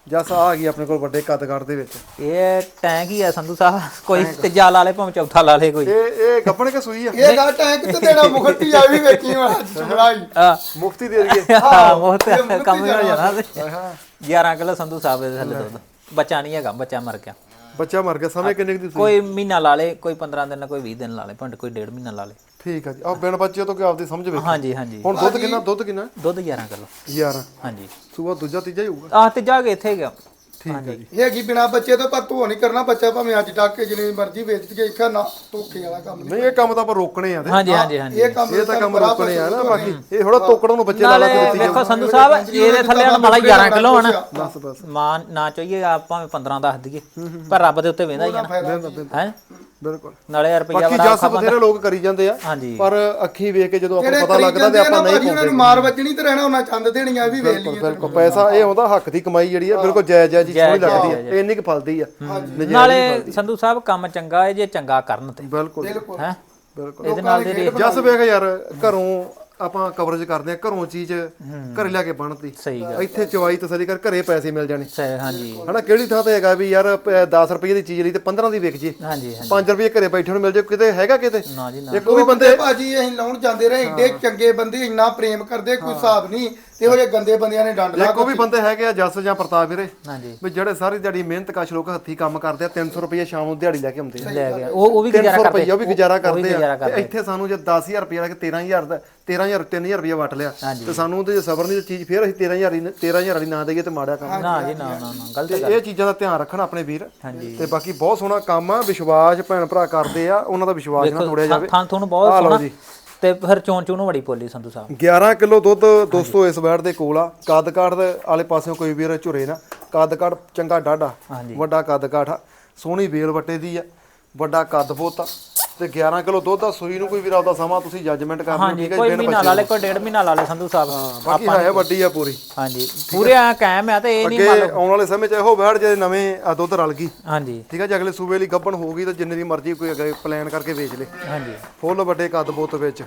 ਜਸ ਆ ਗਈ ਆਪਣੇ ਕੋਲ ਵੱਡੇ ਕੱਦ-ਕਾਠ ਦੇ ਵਿੱਚ। ਇਹ ਟੈਂਕ ਹੀ ਆ ਸੰਧੂ ਸਾਹਿਬ, ਕੋਈ ਤੀਜਾ ਲਾ ਲੇ ਭਾਵੇਂ ਚੌਥਾ ਲਾ ਲੇ ਕੋਈ। ਇਹ ਇਹ ਗੱਬਣ ਕੇ ਸੂਈ ਆ? ਇਹ ਗਾ ਟੈਂਕ ਤੇ ਦੇਣਾ ਮੁਖਤੀ ਆ ਵੀ ਵੇਖੀ ਮੈਂ ਚੁਗਲਾਈ ਆ ਮੁਫਤੀ ਦੇ ਦਈਏ। ਹਾਂ ਮੁਹਤ ਕੰਮ ਹੀ ਹੋ ਜਾਣਾ ਤੇ ਗਿਆਰਾਂ ਕਿਲੋ ਸੰਧੂ ਸਾਹਿਬ ਦੇ ਥੱਲੇ ਦੁੱਧ। ਬੱਚਾ ਨਹੀਂ ਹੈਗਾ, ਬੱਚਾ ਮਰ ਗਿਆ। ਬੱਚਾ ਮਰ ਗਿਆ। ਸਮੇਂ ਕਿੰਨੇ ਦੀ? ਕੋਈ ਮਹੀਨਾ ਲਾ ਲੇ, ਕੋਈ ਪੰਦਰਾਂ ਦਿਨ, ਕੋਈ ਵੀਹ ਦਿਨ ਲਾ ਲੇ, ਭਾਵੇਂ ਕੋਈ ਡੇਢ ਮਹੀਨਾ ਲਾ ਲੇ। ਠੀਕ ਆ ਜੀ। ਆਹ ਬਿਨ ਬੱਚੇ ਤੋਂ ਕਿ ਆਪਦੀ ਸਮਝ ਵੇਖ। ਹਾਂਜੀ ਹਾਂਜੀ। ਹੁਣ ਦੁੱਧ ਕਿੰਨਾ? ਦੁੱਧ ਕਿੰਨਾ? ਦੁੱਧ ਗਿਆਰਾਂ ਕਿਲੋ। ਗਿਆਰਾਂ। ਹਾਂਜੀ। ਸੂਆ ਦੂਜਾ ਤੀਜਾ ਹੀ ਹੋਊਗਾ। ਆਹ ਤੇ ਜਾ ਕੇ ਇੱਥੇ ਗਿਆ। ਠੀਕ ਆ ਜੀ। ਇਹ ਕੀ ਬਿਨਾ ਬੱਚੇ ਤੋਂ ਪਰ ਧੋ ਨਹੀਂ ਕਰਨਾ, ਬੱਚਾ ਭਾਵੇਂ ਅੱਜ ਡੱਕ ਕੇ ਜਿੰਨੀ ਮਰਜ਼ੀ ਵੇਚ ਕੇ ਇੱਕਾ ਨਾ ਧੋਕੇ ਵਾਲਾ ਕੰਮ ਨਹੀਂ ਇਹ ਕੰਮ ਤਾਂ ਆਪਾਂ ਰੋਕਣੇ ਆ ਤੇ ਹਾਂਜੀ ਹਾਂਜੀ ਹਾਂਜੀ। ਇਹ ਕੰਮ ਇਹ ਤਾਂ ਕੰਮ ਰੋਕਣੇ ਆ ਨਾ। ਬਾਕੀ ਇਹ ਥੋੜਾ ਤੋਕੜੋਂ ਨੂੰ ਬੱਚੇ ਲਾ ਲਾ ਕੇ ਦਿੱਤੀ ਵੇਖੋ ਸੰਧੂ ਸਾਹਿਬ, ਇਹਦੇ ਥੱਲੇ ਹੁਣ ਮਾਲਾ ਗਿਆਰਾਂ ਕਿਲੋ ਹੋਣਾ। ਬਸ ਬਸ ਮਾਂ ਨਾ ਚਾਹੀਏ ਆਪਾਂ ਪੰਦਰਾਂ ਦੱਸ ਦਈਏ, ਪਰ ਰੱਬ ਦੇ ਉੱਤੇ ਵੇਂਦਾ ਹੀ ਆ ਹੈ। ਬਿਲਕੁਲ। ਨਾਲੇ ਰੁਪਈਆ ਬਾਕੀ ਬੜਾ ਜੱਸ ਬਥੇਰੇ ਲੋਕ ਕਰੀ ਜਾਂਦੇ ਆ, ਹਾਂਜੀ। ਪਰ ਅੱਖੀ ਵੇਖ ਕੇ ਜਦੋਂ ਆਪਾਂ ਜਿਹੜੇ ਪਤਾ ਲੱਗਦਾ ਤੇ ਆਪਾਂ ਨਹੀਂ ਉਹਨਾਂ ਪਾਉਂਦੇ। ਨੂੰ ਮਾਰ ਵੱਜਣੀ ਤੇ ਰਹਿਣਾ ਉਹਨਾਂ ਚੰਦ ਦੇਣੀਆਂ ਵੀ ਵੇਖ ਲਈਏ। ਬਿਲਕੁਲ ਪੈਸਾ ਇਹ ਆਉਂਦਾ ਹੱਕ ਦੀ ਕਮਾਈ ਜਿਹੜੀ ਆ ਬਿਲਕੁਲ ਜਾਇਜ਼ ਜਾਇਜ਼ ਜੀ ਸੋਹਣੀ ਲੱਗਦੀ ਆ। ਇਹ ਇੰਨੀ ਕੁ ਫਲਦੀ ਆ ਨਾਲੇ ਸੰਧੂ ਸਾਹਿਬ ਕੰਮ ਚੰਗਾ ਹੈ ਜੇ ਚੰਗਾ ਕਰਨ ਤੇ। ਬਿਲਕੁਲ ਹੈ ਬਿਲਕੁਲ। ਇਹਦੇ ਨਾਲ ਦੇ ਜੱਸ ਵੇਖ ਯਾਰ ਘਰੋਂ ਆਪਾਂ ਕਵਰੇਜ ਕਰਦੇ ਆ, ਘਰੋਂ ਚੀਜ਼ ਘਰੇ ਲਿਆ ਕੇ ਬਣਦੀ। ਸਹੀ ਗੱਲ। ਇੱਥੇ ਚਵਾਈ ਤਸੱਲੀ ਕਰ, ਘਰੇ ਪੈਸੇ ਮਿਲ ਜਾਣੇ। ਸਹੀ ਹਾਂਜੀ ਹਨਾ ਕਿਹੜੀ ਥਾਂ ਤੇ ਹੈਗਾ ਵੀ ਯਾਰ ਦਸ ਰੁਪਏ ਦੀ ਚੀਜ਼ ਲਈ ਤੇ ਪੰਦਰਾਂ ਦੀ ਵਿਕ ਜੇ, ਹਾਂਜੀ ਹਾਂਜੀ। ਪੰਜ ਰੁਪਏ ਘਰੇ ਬੈਠੇ ਨੂੰ ਮਿਲ ਜੇ, ਕਿਤੇ ਹੈਗਾ ਕਿਤੇ? ਨਾ ਜੀ ਨਾ। ਇੱਕ ਉਹ ਵੀ ਬੰਦੇ ਭਾਜੀ ਅਸੀਂ ਲਾਉਣ ਜਾਂਦੇ ਰਹੇ, ਏਡੇ ਚੰਗੇ ਬੰਦੇ, ਇੰਨਾ ਪ੍ਰੇਮ ਕਰਦੇ ਕੋਈ ਹਿਸਾਬ ਨਹੀਂ। ਤੇ ਇਹੋ ਜਿਹੇ ਗੰਦੇ ਬੰਦਿਆਂ ਨੇ ਡੰਡ ਲਾ ਇੱਕ ਉਹ ਵੀ ਬੰਦੇ ਹੈਗੇ ਆ ਜੱਸ ਜਾਂ ਪ੍ਰਤਾਪ ਵੀਰੇ, ਹਾਂਜੀ ਵੀ ਜਿਹੜੇ ਸਾਰੀ ਦਿਹਾੜੀ ਮਿਹਨਤ ਕਸ਼ ਲੋਕ ਹੱਥੀਂ ਕੰਮ ਕਰਦੇ ਆ, ਤਿੰਨ ਸੌ ਰੁਪਏ ਸ਼ਾਮ ਨੂੰ ਦਿਹਾੜੀ ਲੈ ਕੇ ਆਉਂਦੇ ਆ। ਲੈ ਗਿਆ ਉਹ ਉਹ ਵੀ ਤਿੰਨ ਗੁਜ਼ਾਰਾ ਸੌ ਕਰਦੇ ਰੁਪਏ ਉਹ ਵੀ ਗੁਜ਼ਾਰਾ ਕਰਦੇ ਗੁਜ਼ਾਰਾ ਆ। ਤੇ ਇੱਥੇ ਸਾਨੂੰ ਜੇ ਦਸ ਹਜ਼ਾਰ ਰੁਪਏ ਲਾ ਕੇ ਤੇਰਾਂ ਹਜ਼ਾਰ ਦਾ ਤੇਰਾਂ ਹਜ਼ਾਰ ਤਿੰਨ ਹਜ਼ਾਰ ਰੁਪਏ ਵਟ ਲਿਆ ਤੇ ਸਾਨੂੰ ਤੇ ਸਬਰ ਨਹੀਂ ਚੀਜ਼ ਫੇਰ ਅਸੀਂ ਤੇਰਾਂ ਹਜ਼ਾਰ ਹੀ ਤੇਰਾਂ ਹਜ਼ਾਰ ਵਾਲੀ ਨਾ ਦੇਈਏ ਤੇ ਮਾੜਾ ਕੰਮ। ਨਾ ਜੀ ਨਾ ਨਾ ਨਾ ਗਲਤ ਤੇ ਇਹ ਚੀਜ਼ਾਂ ਦਾ ਧਿਆਨ ਰੱਖਣ ਆਪਣੇ ਵੀਰ। ਹਾਂਜੀ। ਤੇ ਬਾਕੀ ਬਹੁਤ ਸੋਹਣਾ ਕੰਮ ਆ, ਵਿਸ਼ਵਾਸ ਭੈਣ ਭਰਾ ਕਰਦੇ ਆ, ਉਹਨਾਂ ਦਾ ਵਿਸ਼ਵਾਸ ਨਾ ਤੋੜਿਆ ਜਾਵੇ। ਥਾਂ ਤੁਹਾਨੂੰ ਬਹੁਤ ਸੋਹਣਾ ਤੇ ਫਿਰ ਚੋਣ ਚੋਣ ਬੜੀ ਪੋਲੀ ਸੰਧੂ ਸਾਹਿਬ। ਗਿਆਰਾਂ ਕਿਲੋ ਦੁੱਧ ਦੋਸਤੋ ਇਸ ਵੈੜ ਦੇ ਕੋਲ ਆ। ਕੱਦ ਕਾਠ ਦੇ ਆਲੇ ਪਾਸਿਓਂ ਕੋਈ ਵੀਰ ਝੁਰੇ ਨਾ, ਕੱਦ ਕਾਠ ਚੰਗਾ ਡਾਢਾ ਵੱਡਾ ਕੱਦ ਕਾਠ ਆ, ਸੋਹਣੀ ਵੇਲ ਵੱਟੇ ਦੀ ਆ, ਵੱਡਾ ਕੱਦ ਬੋਤ ਆ ਤੇ ਗਿਆਰਾਂ ਕਿਲੋ ਦੁੱਧ ਆ। ਸੂਈ ਨੂੰ ਕੋਈ ਵੀਰ ਆਪਦਾ ਸਮਾਂ ਤੁਸੀਂ ਜੱਜਮੈਂਟ ਕਰ ਲਓ। ਠੀਕ ਹੈ, ਕੋਈ ਮਹੀਨਾ ਲਾ ਲੈ, ਕੋਈ ਡੇਢ ਮਹੀਨਾ ਲਾ ਲੈ ਸੰਧੂ ਸਾਹਿਬ। ਬਾਕੀ ਹੈ ਵੱਡੀ ਆ ਪੂਰੀ। ਹਾਂਜੀ ਪੂਰੇ ਆ ਕਾਇਮ ਆ ਤੇ ਇਹ ਨਹੀਂ ਅੱਗੇ ਆਉਣ ਵਾਲੇ ਸਮੇਂ 'ਚ ਇਹੋ ਵੈੜ ਜੇ ਨਵੇਂ ਆ ਦੁੱਧ ਰਲ ਗਈ, ਹਾਂਜੀ ਠੀਕ ਹੈ ਜੀ, ਅਗਲੇ ਸੂਬੇ ਲਈ ਗੱਭਣ ਹੋਊਗੀ ਤਾਂ ਜਿੰਨੇ ਦੀ ਮਰਜ਼ੀ ਕੋਈ ਅੱਗੇ ਪਲਾਨ ਕਰਕੇ ਵੇਚ ਲੇ। ਹਾਂਜੀ ਫੁੱਲ ਵੱਡੇ ਕੱਦ ਬੋਤ ਵਿੱਚ,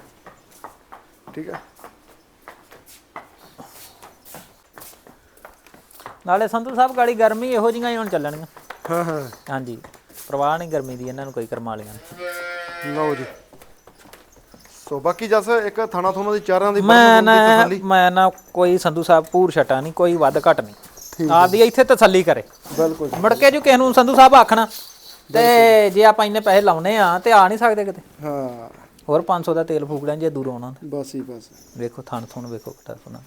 ਠੀਕ ਹੈ। ਨਾਲੇ ਸੰਧੂ ਸਾਹਿਬ ਗਾੜੀ ਗਰਮੀ ਇਹੋ ਜਿਹੀਆਂ ਹੀ ਹੁਣ ਚੱਲਣੀਆਂ। ਹਾਂ ਹਾਂ ਹਾਂਜੀ ਪਰਵਾਹ ਨਹੀਂ ਗਰਮੀ ਦੀ, ਇਹਨਾਂ ਨੂੰ ਕੋਈ ਕਰਮਾ ਲਿਆ। ਲਓ ਜੀ। ਸੋ ਬਾਕੀ ਜਸ ਇੱਕ ਥਾਣਾ ਥੋਣਾ ਦੀ ਚਾਰਾਂ ਦੀ ਮੈਂ ਨਾ ਮੈਂ ਨਾ ਕੋਈ ਸੰਧੂ ਸਾਹਿਬ ਪੂਰ ਛਟਾ ਨਹੀਂ, ਕੋਈ ਵੱਧ ਘਟ ਨਹੀਂ, ਆਪਦੀ ਇੱਥੇ ਤਸੱਲੀ ਕਰੇ। ਬਿਲਕੁਲ। ਮੁੜ ਕੇ ਜੋ ਕਿਸੇ ਨੂੰ ਸੰਧੂ ਸਾਹਿਬ ਆਖਣਾ ਤੇ ਜੇ ਆਪਾਂ ਇੰਨੇ ਪੈਸੇ ਲਾਉਣੇ ਆ ਤੇ ਆ ਨਹੀਂ ਸਕਦੇ ਕਿਤੇ। ਹਾਂ ਹੋਰ ਪੰਜ ਸੌ ਦਾ ਤੇਲ ਫੂਕ ਲੈਣ ਜੇ ਦੂਰੋਂ ਆਉਣਾ। ਬਸ ਹੀ ਬਸ। ਵੇਖੋ ਥਣ ਥਣ ਵੇਖੋ ਕਿੱਡਾ ਸੋਹਣਾ।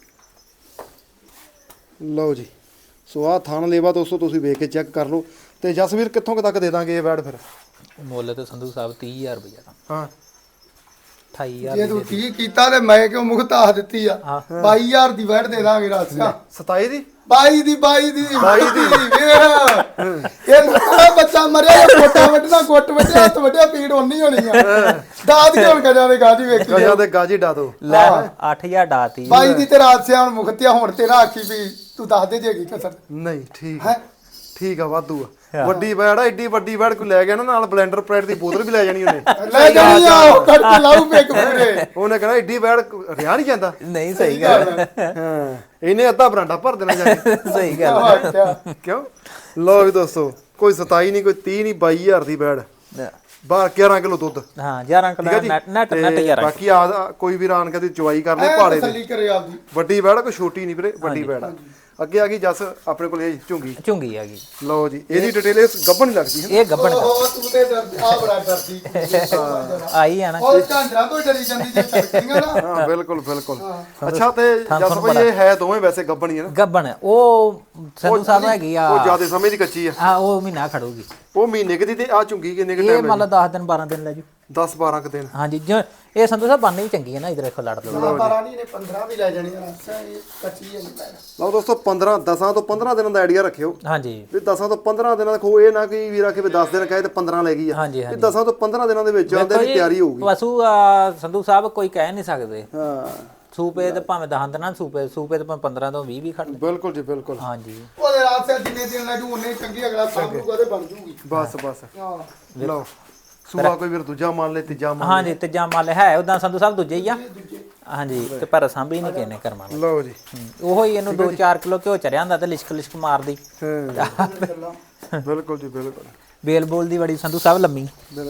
ਲਓ ਜੀ। ਸੋ ਆਹ ਥਣ ਲੇਵਾ ਦੋਸਤੋ ਤੁਸੀਂ ਵੇਖ ਕੇ ਚੈੱਕ ਕਰ ਲਓ। ਤੇ ਜਸਵੀਰ ਕਿੱਥੋਂ ਕੁ ਤੱਕ ਦੇ ਦਾਂਗੇ ਇਹ ਵੈੜ ਫਿਰ? ਮੁੱਲ ਤੇ ਸੰਧੂ ਸਾਹਿਬ ਤੀਹ ਹਜ਼ਾਰ ਰੁਪਇਆ ਦਾ। ਹਾਂ ਅਠਾਈ ਹਜ਼ਾਰ ਜੇ ਤੂੰ ਠੀਕ ਕੀਤਾ ਤੇ ਮੈਂ ਕਿਉਂ ਮੁਖਤਾਹ ਦਿੱਤੀ ਆ? ਬਾਈ ਹਜ਼ਾਰ ਦੀ ਵੈਟ ਦੇ ਦਾਂਗੇ ਰਾਸਿਆ। ਸਤਾਈ ਦੀ ਬਾਈ ਦੀ ਬਾਈ ਦੀ ਬਾਈ ਦੀ ਇਹ ਨਾ ਬੱਚਾ ਮਰਿਆ, ਕੋਟਾ ਵੱਢਣਾ, ਗੁੱਟ ਵੱਢਿਆ, ਹੱਥ ਵੱਢਿਆ, ਪੀੜ ਹੋਣੀ ਹੋਣੀ ਆ। ਦਾਦ ਕਿਉਂ ਕਜਾ ਦੇ ਗਾਜੀ ਵੇਖੀ ਗਜਾ ਦੇ ਗਾਜੀ ਡਾ ਦੋ। ਲੈ ਅੱਠ ਹਜ਼ਾਰ ਡਾਤੀ ਬਾਈ ਦੀ ਤੇ ਰਾਸਿਆ ਹੁਣ ਮੁਖਤਿਆ ਹੁਣ ਤੇਰਾ ਆਖੀ ਵੀ ਤੂੰ ਦੱਸ ਦੇ ਜੇਗੀ ਕਸਰ। ਨਹੀਂ ਠੀਕ ਹੈ, ਠੀਕ ਆ, ਵਾਧੂ ਆ। ਵੱਡੀ ਵੈੜ ਆ, ਏਡੀ ਵੱਡੀ ਵੈੜ ਕੋਈ ਲੈ ਗਿਆ ਨਾ ਨਾਲ ਬਲੈਂਡਰ ਪ੍ਰੈਡ ਦੀ ਬੋਤਲ ਵੀ ਲੈ ਜਾਣੀ ਉਹਨੇ। ਲੈ ਜਾਣੀ ਆ ਉਹ ਕੱਟ ਕੇ ਲਾਉ ਪੇਕ ਪੂਰੇ। ਉਹਨੇ ਕਹਿਣਾ ਏਡੀ ਵੈੜ ਰਿਆ ਨਹੀਂ ਜਾਂਦਾ। ਨਹੀਂ ਸਹੀ ਗੱਲ ਹਾਂ ਇਹਨੇ ਅੱਧਾ ਬਰਾਂਡਾ ਭਰ ਦੇਣਾ ਜਾ ਕੇ। ਸਹੀ ਗੱਲ ਕਿਉਂ? ਲਓ ਵੀ ਦੋਸਤੋ ਕੋਈ ਸਤਾਈ ਨਹੀਂ, ਕੋਈ ਤੀਹ ਨਹੀਂ, ਬਾਈ ਹਜ਼ਾਰ ਦੀ ਵੈੜ ਬਾਹਰ ਗਿਆਰਾਂ ਕਿਲੋ ਦੁੱਧ। ਹਾਂ ਗਿਆਰਾਂ ਕਿਲੋ ਨੈਟ ਨੈਟ ਨੈਟ ਯਾਰ। ਬਾਕੀ ਆ ਕੋਈ ਵੀ ਰਾਨ ਕਦੀ ਚਵਾਈ ਕਰ ਲੈ ਪਹਾੜੇ ਤਸੱਲੀ ਕਰੇ ਆਪਦੀ। ਵੱਡੀ ਵੈੜ ਕੋਈ ਛੋਟੀ ਨਹੀਂ ਵੀਰੇ, ਵੱਡੀ ਵੈੜ ਆ। ਅੱਗੇ ਆ ਗਈ ਜੱਸ ਆਪਣੇ ਕੋਲ ਇਹ ਝੁੰਗੀ। ਝੁੰਗੀ ਆ ਗਈ। ਲਓ ਜੀ ਇਹਦੀ ਡਿਟੇਲ ਇਸ ਗੱਭਣ ਲੱਗਦੀ ਹੈ। ਇਹ ਗੱਭਣ ਉਹ ਤੂੰ ਤੇ ਆ ਬੜਾ ਡਰਦੀ ਆਈ ਆ ਨਾ। ਉਹ ਝਾਂਜਰਾਂ ਤੋਂ ਡਰੀ ਜਾਂਦੀ ਜੇ ਛੜਕੀਆਂ ਨਾ। ਹਾਂ ਬਿਲਕੁਲ ਬਿਲਕੁਲ। ਅੱਛਾ ਤੇ ਜੱਸ ਭਾਈ ਇਹ ਹੈ ਦੋਵੇਂ ਵੈਸੇ ਗੱਭਣ ਹੀ ਹੈ ਨਾ? ਗੱਭਣ ਉਹ ਸੰਧੂ ਸਾਹਿਬ ਹੈਗੀ ਆ। ਉਹ ਜਿਆਦਾ ਸਮੇਂ ਦੀ ਕੱਚੀ ਆ। ਹਾਂ ਉਹ ਮਹੀਨਾ ਖੜੂਗੀ। ਉਹ ਮਹੀਨੇ ਦੀ ਤੇ ਆ ਝੁੰਗੀ ਕਿੰਨੇ ਕਿ ਇਹ ਮੰਨ ਲਾ ਦਸ ਦਿਨ ਬਾਰਾਂ ਦਿਨ ਲੈ ਜੂ। ਦਸ ਬਾਰਾਂ ਕ ਦਿਨ। ਹਾਂਜੀ ਜੋ ਇਹ ਸੰਧੂ ਸਾਹਿਬ ਬਾਨੀ ਵੀ ਚੰਗੀ ਹੈ ਨਾ, ਇਧਰ ਦੇਖੋ ਲੜ ਲਓ। ਬਾਰਾਂ ਨਹੀਂ ਨੇ ਪੰਦਰਾਂ ਵੀ ਲੈ ਜਾਣੀ ਰਾਸਿਆ, ਇਹ ਕੱਚੀ ਹੈ ਨਹੀਂ। ਲਓ ਦੋਸਤੋ ਪੰਦਰਾਂ ਦਸਾਂ ਤੋਂ ਪੰਦਰਾਂ ਦਿਨਾਂ ਦਾ ਆਈਡੀਆ ਰੱਖਿਓ ਹਾਂਜੀ ਵੀ ਦਸਾਂ ਤੋਂ ਪੰਦਰਾਂ ਦਿਨਾਂ ਦਾ ਖੋ। ਇਹ ਨਾ ਕਿ ਵੀਰ ਆਖੇ ਵੀ ਦਸ ਦਿਨ ਕਹੇ ਤੇ ਪੰਦਰਾਂ ਲੈ ਗਈ ਆ। ਹਾਂਜੀ ਇਹ ਦਸਾਂ ਤੋਂ ਪੰਦਰਾਂ ਦਿਨਾਂ ਦੇ ਵਿੱਚ ਆਂਦੇ ਦੀ ਤਿਆਰੀ ਹੋਊਗੀ। ਪਸ਼ੂ ਸੰਧੂ ਸਾਹਿਬ ਕੋਈ ਕਹਿ ਨਹੀਂ ਸਕਦੇ। ਹਾਂ ਸੂਪੇ ਤੇ ਭਾਵੇਂ ਦਸ ਦਿਨਾਂ ਸੂਪੇ ਸੂਪੇ ਤੇ ਭਾਵੇਂ ਪੰਦਰਾਂ ਤੋਂ ਵੀਹ ਵੀ ਖੜ ਲੈ। ਬਿਲਕੁਲ ਜੀ ਬਿਲਕੁਲ। ਹਾਂਜੀ ਉਹਦੇ ਰਾਸਿਆ ਜਿੰਨੇ ਦਿਨ ਲੈ ਜੂ ਉਹਨੇ ਚੰਗੀ ਅਗਲਾ ਸਾਂਭੂਗਾ ਤੇ ਬਣ ਜੂਗੀ। ਬਸ ਬਸ। ਹਾਂ ਲਓ ਸੂਆ ਕੋਈ ਵੀਰ ਦੂਜਾ ਮੰਨ ਲੈ ਤੀਜਾ ਮੰਨ ਹਾਂਜੀ ਤੀਜਾ ਮੱਲ ਹੈ ਉਦਾਂ ਸੰਧੂ ਸਾਹਿਬ ਦੂਜੇ ਹੀ ਆ। ਹਾਂਜੀ ਤੇ ਪਰ ਸਾਂਭੀ ਨਹੀਂ ਕਿਨੇ ਕਰਮਾ ਲਓ ਜੀ ਉਹੋ ਹੀ ਇਹਨੂੰ ਦੋ ਚਾਰ ਕਿਲੋ ਘਿਓ ਚਰਿਆ ਹੁੰਦਾ ਤੇ ਲਿਸ਼ਕ ਲਿਸ਼ਕ ਮਾਰਦੀ ਹਾਂ ਬਿਲਕੁਲ ਜੀ ਬਿਲਕੁਲ ਬੇਲ ਬੋਲ ਦੀ ਬੜੀ ਸੰਧੂ ਸਾਹਿਬ ਲੰਮੀ ਬਿਲਕੁਲ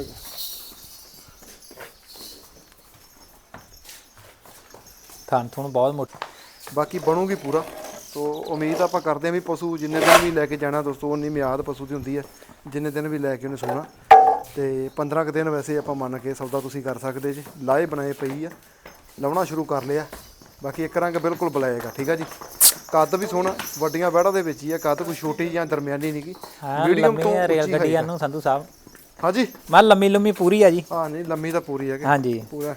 ਥਾਂ ਥੁਣ ਬਹੁਤ ਮੋਟੀ ਬਾਕੀ ਬਣੂਗੀ ਪੂਰਾ ਤੋ ਉਮੀਦ ਆਪਾਂ ਕਰਦੇ ਹਾਂ ਵੀ ਪਸ਼ੂ ਜਿੰਨੇ ਦਿਨ ਵੀ ਲੈ ਕੇ ਜਾਣਾ ਦੋਸਤੋ ਉਨੀ ਮਿਆਦ ਪਸ਼ੂ ਦੀ ਹੁੰਦੀ ਹੈ ਜਿੰਨੇ ਦਿਨ ਵੀ ਲੈ ਕੇ ਉਹਨੇ ਸੋਣਾ ਤੇ ਪੰਦਰਾਂ ਕੁ ਦਿਨ ਵੈਸੇ ਆਪਾਂ ਮੰਨ ਕੇ ਸੌਦਾ ਤੁਸੀਂ ਕਰ ਸਕਦੇ ਜੀ ਲਾਏ ਬਣਾਏ ਪਈ ਆ ਲਾਉਣਾ ਸ਼ੁਰੂ ਕਰ ਲਿਆ ਬਾਕੀ ਇੱਕ ਰੰਗ ਬਿਲਕੁਲ ਬਲੈਕ ਆ ਠੀਕ ਆ ਜੀ ਕੱਦ ਵੀ ਸੋਹਣਾ ਵੱਡੀਆਂ ਵਹਿੜਾਂ ਦੇ ਵਿੱਚ ਹੀ ਆ ਕੱਦ ਕੋਈ ਛੋਟੀ ਜਾਂ ਦਰਮਿਆਨੀ ਨਹੀਂ ਗੀ ਮੀਡੀਅਮ ਤੋਂ ਰੇਲ ਗੱਡੀਆਂ ਨੂੰ ਸੰਧੂ ਸਾਹਿਬ ਹਾਂਜੀ ਮੈਂ ਲੰਮੀ ਲੰਮੀ ਪੂਰੀ ਆ ਜੀ ਹਾਂ ਨਹੀਂ ਲੰਮੀ ਤਾਂ ਪੂਰੀ ਹੈ ਹਾਂਜੀ ਪੂਰਾ